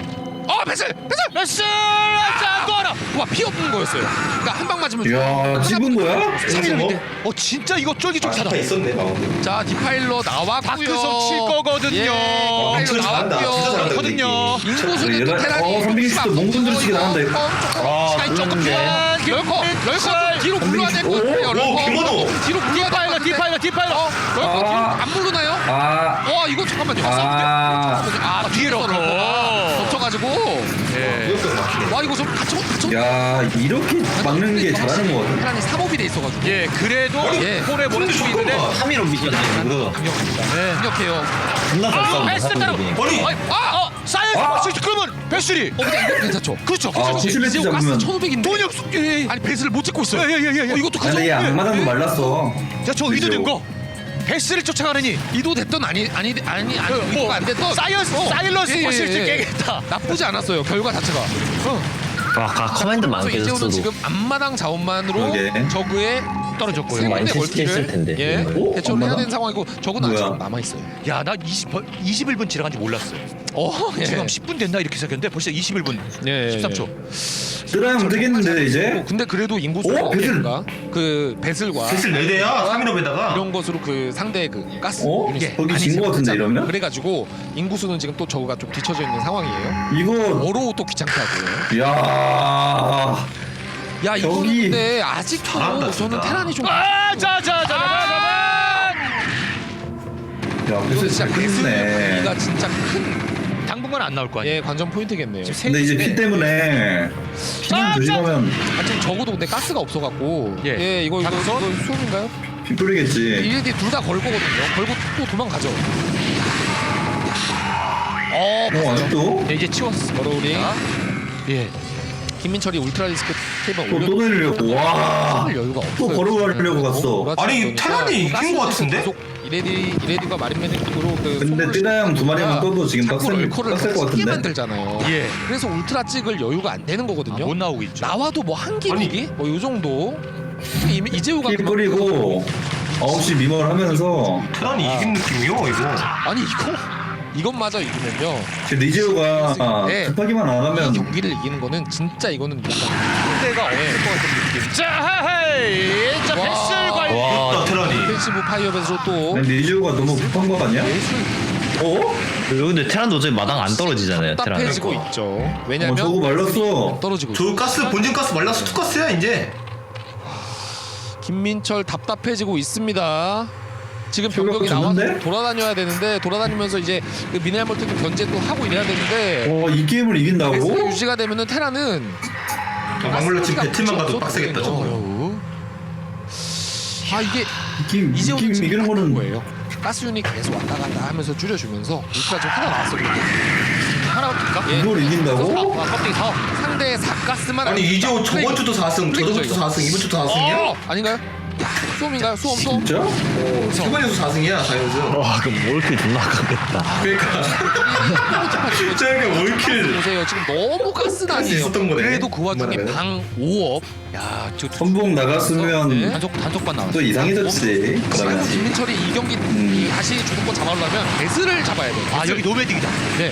[SPEAKER 1] 어, 패스! 패스!
[SPEAKER 2] 패스 자, 또 하나
[SPEAKER 1] 와, 피 없는 거였어요. 그러니까 한 방 맞으면
[SPEAKER 3] 야 찝은 거야?
[SPEAKER 5] 삼십오?
[SPEAKER 2] 어 진짜 이거
[SPEAKER 5] 아,
[SPEAKER 2] 쫄깃쫄깃하다
[SPEAKER 5] 스타 있었네 마운드.
[SPEAKER 1] 자, 디파일러 나왔고요.
[SPEAKER 2] 다크석 칠 거거든요.
[SPEAKER 1] 예,
[SPEAKER 5] 어,
[SPEAKER 1] 디파일러
[SPEAKER 5] 진짜 잘한다. 진짜
[SPEAKER 1] 나왔고요.
[SPEAKER 5] 잘한다.
[SPEAKER 2] 거든요.
[SPEAKER 1] 인구수는 또
[SPEAKER 3] 얘가-
[SPEAKER 1] 테란이
[SPEAKER 3] 어, 삼백이십도 몽군 들치기 나간다, 이거.
[SPEAKER 1] 아, 시간이 조금
[SPEAKER 3] 그러는데.
[SPEAKER 1] 줘. 럴커, 럴커 좀 뒤로 물러야 될 것
[SPEAKER 3] 삼백이십.
[SPEAKER 1] 같아요.
[SPEAKER 5] 오,
[SPEAKER 1] 럴커
[SPEAKER 5] 김원호.
[SPEAKER 1] 좀 뒤로 물러야 될것
[SPEAKER 2] 디파일러
[SPEAKER 1] 같은데.
[SPEAKER 2] 디파일러 디파일러
[SPEAKER 1] 어, 럴커 뒤로
[SPEAKER 3] 아.
[SPEAKER 1] 안 물러나요?
[SPEAKER 3] 아.
[SPEAKER 1] 와, 이거 잠깐만요.
[SPEAKER 3] 아.
[SPEAKER 1] 아,
[SPEAKER 2] 뒤로
[SPEAKER 1] 뒤로 럴커가 덮쳐가지고.
[SPEAKER 2] 예.
[SPEAKER 5] 이겼어 막히네.
[SPEAKER 1] 와, 이거 좀 갇혀, 갇혀.
[SPEAKER 3] 야 이렇게 막는 게 잘하는 거 같아.
[SPEAKER 1] 테란이 삼업이 돼 있어가지고.
[SPEAKER 2] 예 그래도
[SPEAKER 1] 예.
[SPEAKER 2] 폴에 몰을 수 있는데
[SPEAKER 6] 삼일오 미션이 이거
[SPEAKER 2] 네.
[SPEAKER 1] 강력해요.
[SPEAKER 6] 존나 잘
[SPEAKER 2] 아
[SPEAKER 6] 싸운다
[SPEAKER 2] 패스 따라
[SPEAKER 6] 사람들이.
[SPEAKER 5] 아니
[SPEAKER 1] 아, 어,
[SPEAKER 2] 사이언스
[SPEAKER 3] 아.
[SPEAKER 2] 버스 그러면 배슬이
[SPEAKER 1] 어, 근데 이거 괜찮죠?
[SPEAKER 2] 그렇죠
[SPEAKER 3] 아,
[SPEAKER 2] 그렇죠
[SPEAKER 3] 구십일
[SPEAKER 1] 이재호 가스
[SPEAKER 3] 잡으면.
[SPEAKER 1] 천오백인데.
[SPEAKER 2] 돈이 없어 예.
[SPEAKER 1] 아니, 배스를 못 찍고 있어요.
[SPEAKER 2] 예예예예
[SPEAKER 1] 어, 이것도 가져.
[SPEAKER 3] 근데 얘 악마당도 말랐어.
[SPEAKER 2] 자저 의도된 거 배스를 쫓아가느니
[SPEAKER 1] 이도 됐던 아니 아니 아니 아니
[SPEAKER 2] 뭐,
[SPEAKER 1] 이도가 안 됐던
[SPEAKER 2] 사이언스
[SPEAKER 1] 어.
[SPEAKER 2] 사일러스
[SPEAKER 1] 예, 예,
[SPEAKER 2] 버스를
[SPEAKER 1] 예.
[SPEAKER 2] 깨겠다
[SPEAKER 1] 나쁘지 않았어요. 결과 자체가.
[SPEAKER 6] 와 아까 커맨드만
[SPEAKER 1] 그래서 이재호는
[SPEAKER 6] 계속
[SPEAKER 1] 지금 앞마당 자원만으로
[SPEAKER 3] 그러게.
[SPEAKER 1] 저그에
[SPEAKER 2] 떨어졌고요.
[SPEAKER 1] 세
[SPEAKER 6] 많이
[SPEAKER 1] 번째
[SPEAKER 6] 채식했을
[SPEAKER 1] 멀티를
[SPEAKER 6] 텐데,
[SPEAKER 1] 예
[SPEAKER 6] 이걸.
[SPEAKER 3] 오?
[SPEAKER 1] 대처를 해야
[SPEAKER 3] 앞마당?
[SPEAKER 1] 되는 상황이고 저거는
[SPEAKER 3] 뭐야?
[SPEAKER 1] 아직 남아 있어요.
[SPEAKER 2] 야나 이십 이십일 분 지나간 지 몰랐어요
[SPEAKER 1] 어, 예.
[SPEAKER 2] 지금 십 분 됐나 이렇게 생각했는데 벌써 이십일 분
[SPEAKER 1] 예, 예,
[SPEAKER 2] 십삼 초
[SPEAKER 3] 드라형 되겠는데 이제?
[SPEAKER 1] 근데 그래도 인구수
[SPEAKER 3] 오, 배슬.
[SPEAKER 1] 그 배슬과
[SPEAKER 5] 슬슬 네 대야 삼 인업에다가
[SPEAKER 1] 이런 것으로 그 상대 그 가스
[SPEAKER 3] 어?
[SPEAKER 1] 유닛
[SPEAKER 3] 거기
[SPEAKER 1] 많이
[SPEAKER 3] 진 거 같은데,
[SPEAKER 1] 생겼잖아.
[SPEAKER 3] 이러면?
[SPEAKER 1] 그래가지고 인구수는 지금 또 저거가 좀 뒤쳐져 있는 상황이에요.
[SPEAKER 3] 이거
[SPEAKER 1] 어로우 또 귀찮게 하고요.
[SPEAKER 3] 야
[SPEAKER 1] 야 이거는
[SPEAKER 3] 저기-
[SPEAKER 1] 근데 아직도
[SPEAKER 5] 잘한다,
[SPEAKER 1] 저는
[SPEAKER 5] 진짜.
[SPEAKER 1] 테란이 좀
[SPEAKER 2] 아, 자, 자, 자, 자,
[SPEAKER 3] 야,
[SPEAKER 1] 이거
[SPEAKER 3] 배슬
[SPEAKER 1] 진짜
[SPEAKER 3] 잘 크네.
[SPEAKER 1] 배슬가 진짜 큰
[SPEAKER 2] 자. 당분간 안 나올 거 아니에요.
[SPEAKER 1] 예, 관전 포인트겠네요.
[SPEAKER 2] 지금 세-
[SPEAKER 3] 근데 이제 피 때문에 피만 조심하면
[SPEAKER 1] 아, 지금 적어도 근데 가스가 없어갖고
[SPEAKER 2] 예.
[SPEAKER 1] 예, 이거 이거,
[SPEAKER 2] 작전?
[SPEAKER 1] 이거 수험인가요?
[SPEAKER 3] 피 뿌리겠지.
[SPEAKER 1] 이레디 둘 다 걸 거거든요. 걸고 또 도망가죠. 어,
[SPEAKER 3] 어 아직도?
[SPEAKER 2] 네, 이제 치웠어.
[SPEAKER 1] 버러우링.
[SPEAKER 2] 예.
[SPEAKER 1] 김민철이 울트라 리스크 탭을
[SPEAKER 3] 또,
[SPEAKER 1] 올려.
[SPEAKER 3] 또 내리려고. 와.
[SPEAKER 1] 여유가 없어요.
[SPEAKER 3] 또 걸어가려고 갔어.
[SPEAKER 5] 아니, 테란이 이긴 거 같은데?
[SPEAKER 1] 이레디 이레디가 마린 메딕으로 그
[SPEAKER 3] 근데
[SPEAKER 1] 소모를
[SPEAKER 3] 뜨다형 두 마리만 떠도 지금
[SPEAKER 1] 자꾸
[SPEAKER 3] 빡셀
[SPEAKER 1] 럴커를
[SPEAKER 3] 빡셀 것
[SPEAKER 1] 크게
[SPEAKER 3] 같은데.
[SPEAKER 1] 만들잖아요.
[SPEAKER 2] 예.
[SPEAKER 1] 그래서 울트라 찍을 여유가 안 되는
[SPEAKER 2] 아,
[SPEAKER 1] 거거든요.
[SPEAKER 2] 못 나오고 있죠.
[SPEAKER 1] 나와도 뭐 한 기기 뭐 요 정도. 이- 이재호가
[SPEAKER 3] 피
[SPEAKER 1] 그만큼-
[SPEAKER 3] 뿌리고 아홉 시 미멀 하면서
[SPEAKER 5] 테란이 이긴 느낌이요 이거.
[SPEAKER 1] 아니 이거 이것마저 이기면요.
[SPEAKER 3] 지금 리지오가
[SPEAKER 1] 네.
[SPEAKER 3] 급하기만 안
[SPEAKER 1] 이
[SPEAKER 3] 하면
[SPEAKER 1] 경기를 이기는 거는 진짜 이거는 약간
[SPEAKER 2] 상대가 없을 것 같은 느낌. 자, 헤이. 자,
[SPEAKER 1] 와.
[SPEAKER 2] 패스를 관리.
[SPEAKER 5] 와 테란이.
[SPEAKER 1] 디펜시브 파이어에서 또
[SPEAKER 3] 리지오가 너무 급한 거 아니야?
[SPEAKER 1] 예술
[SPEAKER 3] 어?
[SPEAKER 4] 그리고 근데 테란도 어차피 마당 안 떨어지잖아요. 테란.
[SPEAKER 1] 답답해지고 있죠.
[SPEAKER 3] 어
[SPEAKER 1] 왜냐면
[SPEAKER 3] 저거 말랐어.
[SPEAKER 1] 떨어지고
[SPEAKER 5] 저
[SPEAKER 1] 있죠.
[SPEAKER 5] 가스 본진 가스 말라서 투가스야 이제.
[SPEAKER 1] 김민철 답답해지고 있습니다. 지금
[SPEAKER 3] 저거
[SPEAKER 1] 병력이 나와서
[SPEAKER 3] 졌는데?
[SPEAKER 1] 돌아다녀야 되는데 돌아다니면서 이제 그 미네랄 멀티도 견제도 하고 이래야 되는데
[SPEAKER 3] 어 이 게임을
[SPEAKER 1] 베스가
[SPEAKER 3] 이긴다고?
[SPEAKER 1] 유지가 되면은 테라는
[SPEAKER 5] 막물로 지금 배틀만 가도
[SPEAKER 1] 없어도
[SPEAKER 5] 빡세겠다 저거.
[SPEAKER 1] 되거든요. 아 이게
[SPEAKER 3] 이 게임 이
[SPEAKER 1] 이재호는
[SPEAKER 3] 게임
[SPEAKER 1] 지금
[SPEAKER 3] 이기는 거는
[SPEAKER 1] 거예요. 가스 유닛 계속 왔다 갔다 하면서 줄여주면서 울트라 좀 하나 나왔어요.
[SPEAKER 2] 하나 붙을까?
[SPEAKER 1] 예.
[SPEAKER 3] 이걸 이긴다고?
[SPEAKER 2] 아, 껍데기 사.
[SPEAKER 1] 상대의 사가스만
[SPEAKER 5] 아니 이재호 저번 주도 사 승, 저번 주도
[SPEAKER 1] 이거.
[SPEAKER 5] 사 승, 이번 주도 사 승이야?
[SPEAKER 1] 어! 아닌가요? 수험인가요? 수험 수험.
[SPEAKER 3] 진짜?
[SPEAKER 5] 이번 연수 사 승이야 사 연수.
[SPEAKER 4] 와 그럼 몰킬 존나 아깝겠다.
[SPEAKER 5] 그러니까 저게 올킬.
[SPEAKER 1] 보세요. 지금 너무 가스
[SPEAKER 5] 가스
[SPEAKER 1] 나네요.
[SPEAKER 5] 있었던 거네.
[SPEAKER 1] 그래도 그 와중에
[SPEAKER 5] 그만하네.
[SPEAKER 1] 방 오업.
[SPEAKER 2] 야, 저
[SPEAKER 3] 선봉 나갔으면
[SPEAKER 1] 네.
[SPEAKER 2] 단속 단속반 나왔어.
[SPEAKER 3] 또 이상해졌지.
[SPEAKER 1] 지금
[SPEAKER 3] 그러면
[SPEAKER 1] 김민철이 이 경기
[SPEAKER 3] 음.
[SPEAKER 1] 다시 주도권 잡아오려면 배스를 잡아야 돼요.
[SPEAKER 2] 아,
[SPEAKER 1] 배슬.
[SPEAKER 2] 여기 노매딩이다.
[SPEAKER 1] 네.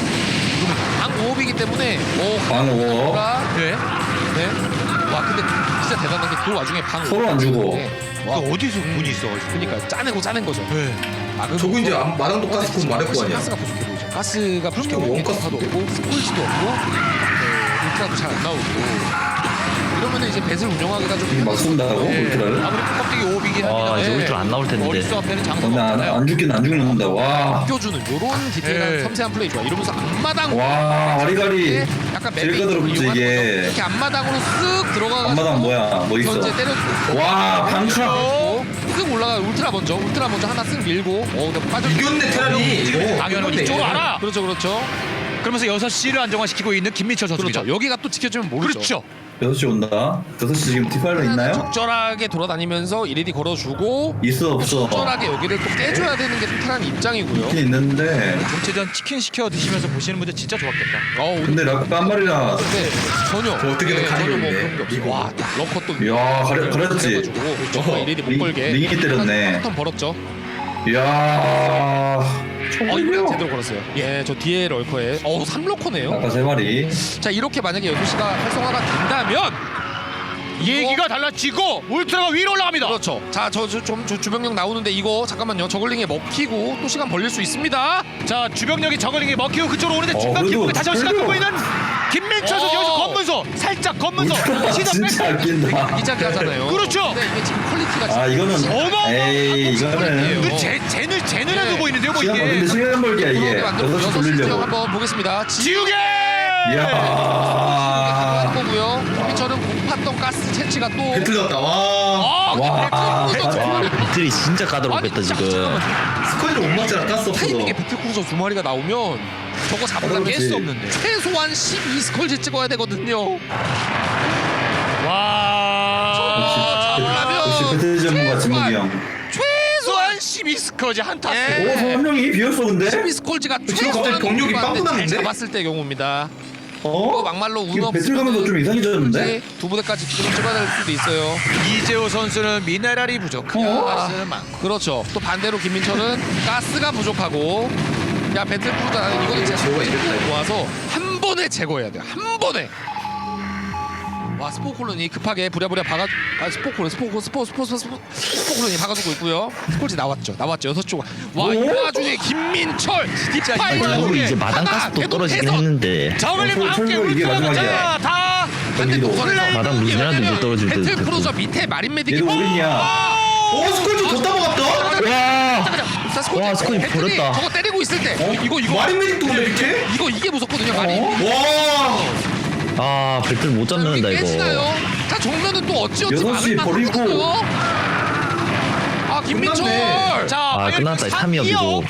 [SPEAKER 1] 방 오업이기 때문에 오
[SPEAKER 3] 방어
[SPEAKER 2] 네.
[SPEAKER 1] 네. 와 근데 진짜 대단한 게 그 와중에 방
[SPEAKER 3] 서로 안 주고.
[SPEAKER 1] 와
[SPEAKER 2] 그 어디서 문이 있어가지고.
[SPEAKER 1] 그러니까 짜내고 짜낸 거죠.
[SPEAKER 2] 네.
[SPEAKER 1] 아, 그리고
[SPEAKER 5] 저거 이제
[SPEAKER 1] 또-
[SPEAKER 5] 안- 마당도 가스 곧 말할 거 아니야.
[SPEAKER 1] 가스가 부족해 보이죠. 가스가 부족해
[SPEAKER 5] 그럼요,
[SPEAKER 1] 보이고
[SPEAKER 5] 원가스도
[SPEAKER 1] 도 없고 스콜지도 없고 네, 울트라도 잘 안 나오고 이러면은 이제 배슬 운영하기가 좀
[SPEAKER 3] 이게 막 쏜다고
[SPEAKER 1] 네.
[SPEAKER 3] 울트라를?
[SPEAKER 2] 아무리 껍데기 오업이긴
[SPEAKER 4] 와
[SPEAKER 2] 합니다.
[SPEAKER 4] 이제
[SPEAKER 1] 네.
[SPEAKER 4] 울트라 안 나올 텐데.
[SPEAKER 2] 머릿수 앞에는 장소가
[SPEAKER 3] 근데 안,
[SPEAKER 2] 없잖아요.
[SPEAKER 3] 안 죽긴 안 죽는다. 와.
[SPEAKER 1] 껴주는 요런 디테일한
[SPEAKER 2] 네.
[SPEAKER 1] 섬세한 플레이 좋아. 이러면서 앞마당
[SPEAKER 3] 와 아리가리.
[SPEAKER 1] 약간
[SPEAKER 3] 제일
[SPEAKER 1] 맵이
[SPEAKER 3] 까다롭지,
[SPEAKER 1] 이용하는
[SPEAKER 3] 이게.
[SPEAKER 1] 거죠. 이렇게 앞마당으로 쓱 들어가가지고
[SPEAKER 3] 앞마당 뭐야? 뭐 있어?
[SPEAKER 1] 견제 때려주고
[SPEAKER 3] 와 방차.
[SPEAKER 1] 쓱 올라가 울트라 먼저 울트라 먼저 하나 쓱 밀고 어 근데 빠져
[SPEAKER 5] 이겼네 테란이 이거.
[SPEAKER 2] 당연히
[SPEAKER 5] 이겼네.
[SPEAKER 2] 이쪽으로 알아.
[SPEAKER 1] 그렇죠 그렇죠
[SPEAKER 2] 그러면서 여섯 시를 안정화시키고 있는 김민철 선수입니다.
[SPEAKER 1] 그렇죠 여기가 또 지켜주면 모르죠.
[SPEAKER 2] 그렇죠.
[SPEAKER 3] 여섯 시 온다. 여섯 시 지금 디파일러 있나요?
[SPEAKER 1] 적절하게 돌아다니면서 이레디 걸어주고
[SPEAKER 3] 있어 없어.
[SPEAKER 1] 적절하게 여기를 또 깨줘야 되는 게 테란 입장이고요.
[SPEAKER 3] 있긴 있는데.
[SPEAKER 2] 전체전 치킨 시켜 드시면서 보시는 분들 진짜 좋았겠다.
[SPEAKER 1] 어, 오늘
[SPEAKER 3] 근데 락가 한 마리라.
[SPEAKER 1] 근데 전혀
[SPEAKER 5] 저 어떻게든
[SPEAKER 1] 네,
[SPEAKER 5] 가리고
[SPEAKER 1] 전혀 뭐
[SPEAKER 5] 있네.
[SPEAKER 1] 그런 게 없어.
[SPEAKER 5] 이거.
[SPEAKER 1] 와 럭커 또
[SPEAKER 3] 이야, 가려- 가렸지?
[SPEAKER 1] 그래가지고 정말
[SPEAKER 3] 어허,
[SPEAKER 1] 이레디 못
[SPEAKER 3] 링-
[SPEAKER 1] 걸게
[SPEAKER 3] 링이 때렸네.
[SPEAKER 1] 한턴 벌었죠.
[SPEAKER 3] 이야.
[SPEAKER 1] 어 이거
[SPEAKER 3] 총이요.
[SPEAKER 1] 제대로 걸었어요. 예, 저 뒤에 럴커에 어 삼 럭커네요.
[SPEAKER 3] 아까 세 마리.
[SPEAKER 1] 자 이렇게 만약에 여섯 시가 활성화가 된다면
[SPEAKER 2] 얘기가 달라지고 울트라가 위로 올라갑니다.
[SPEAKER 1] 그렇죠. 자저좀 주병력 나오는데 이거 잠깐만요. 저글링에 먹히고 또 시간 벌릴 수 있습니다.
[SPEAKER 2] 자 주병력이 저글링에 먹히고 그쪽으로 오는데
[SPEAKER 3] 어,
[SPEAKER 2] 중간
[SPEAKER 3] 그래도
[SPEAKER 2] 기분에 다시 한번 시간
[SPEAKER 3] 그래도-
[SPEAKER 2] 끌고 있는 김민철 선수
[SPEAKER 1] 어.
[SPEAKER 2] 여기서 검문소 살짝 검문소
[SPEAKER 3] 울트라
[SPEAKER 2] 시선
[SPEAKER 3] 진짜
[SPEAKER 2] 백.
[SPEAKER 3] 아낀다.
[SPEAKER 1] 이자기 하잖아요.
[SPEAKER 2] 그렇죠.
[SPEAKER 1] 근데 이게 지금 퀄리티가
[SPEAKER 3] 아 이거는
[SPEAKER 2] 어마어마한
[SPEAKER 3] 에이
[SPEAKER 1] 퀄리티예요.
[SPEAKER 3] 이거는
[SPEAKER 2] 그 제, 쟤는 쟤는
[SPEAKER 1] 네.
[SPEAKER 2] 해 보이는데요 뭐
[SPEAKER 3] 시간
[SPEAKER 2] 이게
[SPEAKER 3] 근데 시간 벌기야 이게.
[SPEAKER 1] 들어오게 만들고
[SPEAKER 3] 여섯 시
[SPEAKER 1] 여섯 시 지역
[SPEAKER 3] 돌리려고.
[SPEAKER 1] 한번 보겠습니다. 지
[SPEAKER 2] 지우개
[SPEAKER 3] 이야.
[SPEAKER 1] 가능한 거고요. 김민철은 고팠던 가스 채취가 또
[SPEAKER 5] 배틀 났다. 와.
[SPEAKER 1] 아,
[SPEAKER 3] 와.
[SPEAKER 1] 와.
[SPEAKER 4] 배틀이 진짜 까다롭겠다 지금.
[SPEAKER 5] 스쿼드를 못 맞잖아 가스 없어서.
[SPEAKER 1] 타이밍에 배틀크루저 두 마리가 나오면 저거 잡으려면
[SPEAKER 3] 그렇지.
[SPEAKER 1] 깰 수 없는데 최소한 십이 스컬지 찍어야 되거든요.
[SPEAKER 2] 와
[SPEAKER 1] 잡으려면
[SPEAKER 3] 역시 배틀 전문가 진목이 형.
[SPEAKER 1] 최소한 십이 스컬지 한 타스.
[SPEAKER 3] 오 선명이 비었어 근데?
[SPEAKER 1] 십이 스컬지가
[SPEAKER 5] 지금 갑자기 병력이 빵꾸 났는데?
[SPEAKER 1] 잘 잡았을 때 경우입니다.
[SPEAKER 3] 어?
[SPEAKER 1] 그 막말로 운
[SPEAKER 3] 이거 배틀
[SPEAKER 1] 없으면
[SPEAKER 3] 가면서 좀 이상해졌는데?
[SPEAKER 1] 두 부대까지 지금 찍어야 될 수도 있어요.
[SPEAKER 2] 이재호 선수는 미네랄이 부족하고
[SPEAKER 3] 어?
[SPEAKER 2] 가스는 많고
[SPEAKER 1] 그렇죠. 또 반대로 김민철은 가스가 부족하고 야 배틀크루저 이거는 진짜
[SPEAKER 5] 제거가 이랬다, 이거.
[SPEAKER 1] 모아서 한 번에 제거해야 돼요. 한 번에. 와 스포콜론이 급하게 부랴부랴 박아 아 스포콜론 스포콜 스포 스포 스포 스포 스포콜론이 박아주고 있고요. 스콜지 나왔죠. 나왔죠. 여섯 쪽. 와 이 와중에 김민철
[SPEAKER 2] 진짜
[SPEAKER 4] 아니
[SPEAKER 1] 뒷팔로
[SPEAKER 4] 저거 이제 마당 가스도 떨어지긴 했는데
[SPEAKER 2] 저글링과
[SPEAKER 3] 어,
[SPEAKER 2] 함께
[SPEAKER 3] 철거 이게
[SPEAKER 2] 울트라가
[SPEAKER 3] 마지막이야.
[SPEAKER 2] 다
[SPEAKER 1] 반대
[SPEAKER 3] 경기도.
[SPEAKER 1] 노선에서
[SPEAKER 4] 마당 무진하도 못 떨어질 듯
[SPEAKER 1] 배틀
[SPEAKER 4] 됐고.
[SPEAKER 1] 프로저 밑에 마린 메딕이
[SPEAKER 3] 얘도 오겠냐? 오 스콜지 뒀다 먹었다.
[SPEAKER 4] 와
[SPEAKER 1] 자, 스콜지.
[SPEAKER 4] 와, 스콜지
[SPEAKER 1] 배틀이
[SPEAKER 4] 버렸다.
[SPEAKER 1] 저거 때리고 있을 때
[SPEAKER 3] 어?
[SPEAKER 1] 이거 이거
[SPEAKER 3] 마린 메딕도 근데 밑에?
[SPEAKER 1] 이거 이게 무섭거든요. 마린.
[SPEAKER 3] 와.
[SPEAKER 4] 아 배틀 못 잡는다
[SPEAKER 1] 여기
[SPEAKER 4] 이거.
[SPEAKER 1] 깨지나요? 자 정면은 또 어찌어찌
[SPEAKER 3] 여섯 시
[SPEAKER 1] 막을
[SPEAKER 3] 버리고.
[SPEAKER 1] 만하거든요. 아 김민철.
[SPEAKER 3] 끝났네.
[SPEAKER 2] 자,
[SPEAKER 4] 아
[SPEAKER 2] 과연
[SPEAKER 4] 끝났다
[SPEAKER 2] 그
[SPEAKER 4] 삼 위협이고.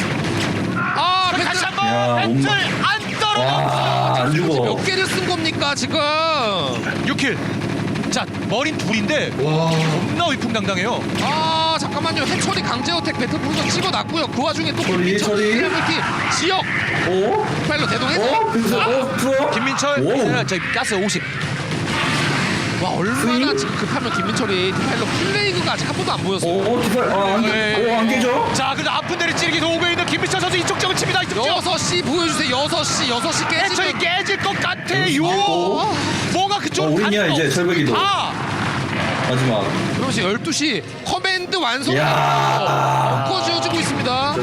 [SPEAKER 1] 아
[SPEAKER 2] 다시
[SPEAKER 1] 배틀
[SPEAKER 2] 한번
[SPEAKER 3] 야,
[SPEAKER 2] 배틀
[SPEAKER 3] 엄마.
[SPEAKER 2] 안 떨어져.
[SPEAKER 3] 와, 안 죽어.
[SPEAKER 1] 몇 개를 쓴 겁니까 지금?
[SPEAKER 2] 육 킬. 자, 머린 둘인데
[SPEAKER 3] 와.
[SPEAKER 2] 겁나 위풍당당해요.
[SPEAKER 1] 아 잠깐만요. 해철이 강제어택 배틀 프로저 찍어놨고요. 그 와중에 또
[SPEAKER 3] 처리,
[SPEAKER 1] 김민철
[SPEAKER 3] 처리.
[SPEAKER 1] 팀 지역
[SPEAKER 3] 오?
[SPEAKER 1] 팔로 대동해서
[SPEAKER 3] 어? 그래서 어? 풀어?
[SPEAKER 2] 김민철,
[SPEAKER 3] 오.
[SPEAKER 2] 네, 저희 가스 오십.
[SPEAKER 1] 와 얼마나
[SPEAKER 3] 스윙?
[SPEAKER 1] 지금 급하면 김민철이 디파일러 플레이그가 아직 한 번도 안 보였어요.
[SPEAKER 3] 오, 어, 디팔, 아, 안,
[SPEAKER 2] 네.
[SPEAKER 3] 오, 안 깨져?
[SPEAKER 2] 자, 근데 아픈 데를 찌르기 오고 있는 김민철 선수 이쪽 쪽을 칩니다. 이쪽 쪽.
[SPEAKER 1] 여섯 시 보여주세요. 여섯 시 여섯 시
[SPEAKER 2] 해철이
[SPEAKER 1] 깨지면
[SPEAKER 2] 깨질 것 같아요.
[SPEAKER 3] 어?
[SPEAKER 2] 뭐가 그쪽
[SPEAKER 3] 어, 우리냐, 이제 철벽이도.
[SPEAKER 2] 아,
[SPEAKER 3] 마지막.
[SPEAKER 1] 그러면서 열두 시 커맨드 완성.
[SPEAKER 3] 야.
[SPEAKER 1] 벙커 지어주고 있습니다.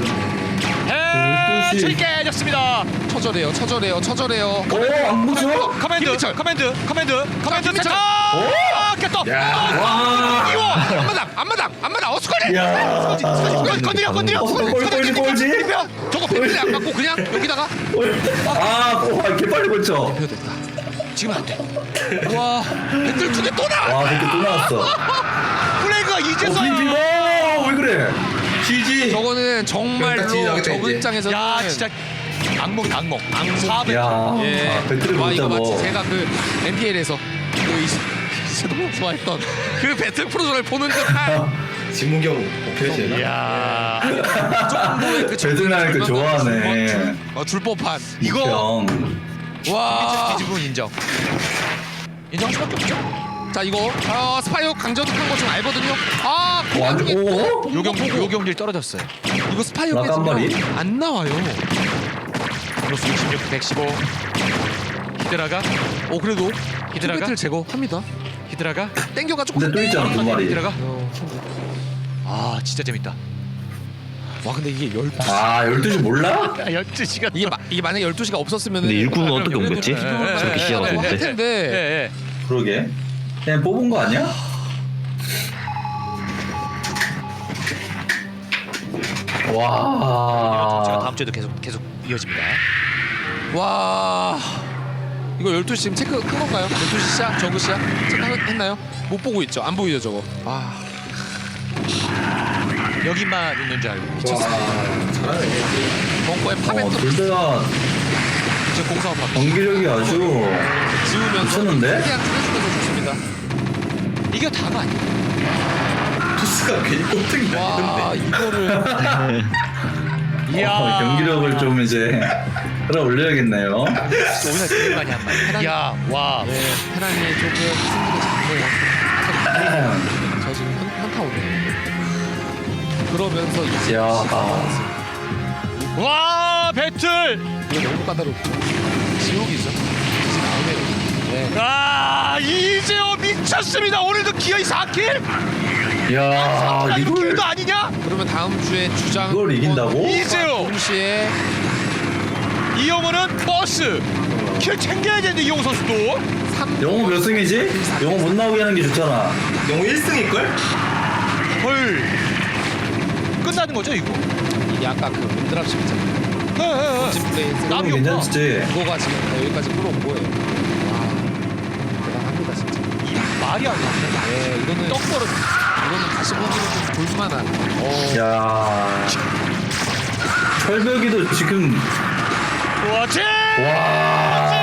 [SPEAKER 2] 해철이 깨졌습니다.
[SPEAKER 1] 처절해요. 처절해요. 처절해요.
[SPEAKER 3] 오, 안 붙여?
[SPEAKER 2] 커맨드,
[SPEAKER 1] 김민철.
[SPEAKER 2] 커맨드, 커맨드, 커맨드
[SPEAKER 1] 김민철.
[SPEAKER 2] 세차.
[SPEAKER 3] 오?
[SPEAKER 2] 아, 깼다.
[SPEAKER 3] 야. 와.
[SPEAKER 2] 이거.
[SPEAKER 1] 앞마당 앞마당 앞마당 어스커리.
[SPEAKER 3] 야.
[SPEAKER 2] 건드려, 건드려, 건드려.
[SPEAKER 3] 어, 꼴, 꼴지, 꼴지?
[SPEAKER 1] 저거 배틀에 안 맞고 그냥 여기다가
[SPEAKER 3] 아, 오, 이렇게 빨리 걸쳐.
[SPEAKER 1] 됐다.
[SPEAKER 2] 지금 안 돼.
[SPEAKER 1] 와 배틀 두 개 또 나와.
[SPEAKER 3] 와, 이렇게 또 나왔어.
[SPEAKER 2] 플레이가
[SPEAKER 3] 어,
[SPEAKER 2] 이제서.
[SPEAKER 3] 비비고! 왜 그래?
[SPEAKER 5] 지지.
[SPEAKER 1] 저거는 정말로
[SPEAKER 5] 딱 지나가겠다,
[SPEAKER 1] 저
[SPEAKER 5] 이제.
[SPEAKER 1] 입장에서는
[SPEAKER 2] 야, 진짜 악몽, 악몽. 악몽. 사백.
[SPEAKER 3] 야,
[SPEAKER 1] 예.
[SPEAKER 3] 아, 배틀을
[SPEAKER 1] 와
[SPEAKER 3] 못
[SPEAKER 1] 이거
[SPEAKER 3] 잡어.
[SPEAKER 1] 마치 제가 그 엠피엘에서 그 이제 너무 좋아했던 그 배틀 프로저를 보는 듯한
[SPEAKER 5] 진무경 오케이
[SPEAKER 2] 이야.
[SPEAKER 1] 정도의 그
[SPEAKER 3] 배틀 나는 거 좋아하네.
[SPEAKER 1] 줄, 어, 줄 법한
[SPEAKER 2] 이거
[SPEAKER 3] 형.
[SPEAKER 1] 와.
[SPEAKER 2] 뒤집으면 인정. 인정할 수밖에 없죠.
[SPEAKER 1] 자 이거 어, 스파이어 강저득한 거 좀 알거든요. 아
[SPEAKER 3] 어, 안
[SPEAKER 1] 그게
[SPEAKER 3] 오?
[SPEAKER 1] 또
[SPEAKER 2] 요경
[SPEAKER 1] 보고
[SPEAKER 2] 요경질 떨어졌어요.
[SPEAKER 1] 이거 스파이어
[SPEAKER 3] 라깜바리?
[SPEAKER 1] 깨지면 안 나와요.
[SPEAKER 2] 플러스 육십육, 백십오. 히드라가
[SPEAKER 1] 어 그래도
[SPEAKER 2] 히드라가?
[SPEAKER 1] 배틀 제거합니다.
[SPEAKER 2] 히드라가
[SPEAKER 1] 땡겨가지고
[SPEAKER 3] 근데 또 있잖아, 두 마리.
[SPEAKER 2] 히드라가. 아, 진짜 재밌다.
[SPEAKER 1] 와 근데 이게 열두 시
[SPEAKER 3] 아, 열두 시 몰라?
[SPEAKER 2] 열두 시간.
[SPEAKER 1] 이게, 마, 이게 만약에 열두 시가 없었으면
[SPEAKER 4] 근데 일꾼은 어떻게
[SPEAKER 2] 그럼요.
[SPEAKER 4] 옮겼지?
[SPEAKER 2] 예, 예,
[SPEAKER 4] 저렇게
[SPEAKER 2] 예,
[SPEAKER 4] 시야가
[SPEAKER 2] 예,
[SPEAKER 1] 할
[SPEAKER 4] 좋은데.
[SPEAKER 1] 텐데
[SPEAKER 2] 예, 예.
[SPEAKER 3] 그러게. 그냥 뽑은 거 아니야?
[SPEAKER 2] 제가
[SPEAKER 3] 와.
[SPEAKER 2] 다음 주에도 계속 계속 이어집니다.
[SPEAKER 1] 와 이거 열두 시 지금 체크한 건가요? 열두 시 시야? 저그 시야? 체크했나요? 못 보고 있죠? 안 보이죠 저거? 아
[SPEAKER 2] 여기만 있는 줄 알고.
[SPEAKER 3] 와.
[SPEAKER 5] 잘하네.
[SPEAKER 1] 벙커에
[SPEAKER 3] 어,
[SPEAKER 1] 파벤도
[SPEAKER 3] 둘다
[SPEAKER 1] 이제 공사업 받고
[SPEAKER 3] 경기력이 아주
[SPEAKER 1] 지우면서
[SPEAKER 3] 미쳤는데?
[SPEAKER 1] 최대한 줄여주면서 좋습니다.
[SPEAKER 2] 이게 다가 아니야.
[SPEAKER 5] 투스가 괜히 꼴등이
[SPEAKER 1] 와
[SPEAKER 5] 아닌데.
[SPEAKER 1] 이거를
[SPEAKER 2] 이야.
[SPEAKER 3] 어, 경기력을 좀 이제 끌어올려야겠네요.
[SPEAKER 2] 오늘 제일 많이 한 말. 야, 와.
[SPEAKER 1] 네, 테란이 조금 승리가 작네요. 저 지금 현, 현타 오네요. 그러면서 이제
[SPEAKER 3] 야.
[SPEAKER 2] 와, 배틀.
[SPEAKER 1] 이거 너무 까다롭죠. 지옥이죠. 지금 나오네요. 네.
[SPEAKER 2] 아, 이재호 미쳤습니다. 오늘도 기어이 사 킬?
[SPEAKER 3] 야,
[SPEAKER 2] 아, 이거
[SPEAKER 3] 이걸
[SPEAKER 2] 킬도 아니냐?
[SPEAKER 1] 그러면 다음 주에 주장
[SPEAKER 3] 이걸 이긴다고?
[SPEAKER 2] 이재호.
[SPEAKER 1] 동시에
[SPEAKER 2] 이영호는 버스. 킬 챙겨야 되는데 이영호 선수도.
[SPEAKER 1] 삼
[SPEAKER 3] 영호 몇 승이지? 영호 못 나오게 하는 게 좋잖아.
[SPEAKER 5] 영호 일 승일걸?
[SPEAKER 2] 헐. 끝나는 거죠, 이거?
[SPEAKER 1] 이게 아까 그 문드랍십 있잖아요.
[SPEAKER 2] 예, 예, 예.
[SPEAKER 1] 진 플레이
[SPEAKER 3] 그럼
[SPEAKER 2] 남이 없나?
[SPEAKER 3] 괜찮지?
[SPEAKER 1] 그거가 지금 여기까지 끌어온 거예요. 와 대단합니다 진짜.
[SPEAKER 2] 이 말이 안 나네.
[SPEAKER 1] 네 이거는
[SPEAKER 2] 떡 벌어.
[SPEAKER 1] 이거는 다시 보기는 좀 볼만한. 어,
[SPEAKER 3] 야. 철벽이도 지금
[SPEAKER 2] 그렇지.
[SPEAKER 3] 와.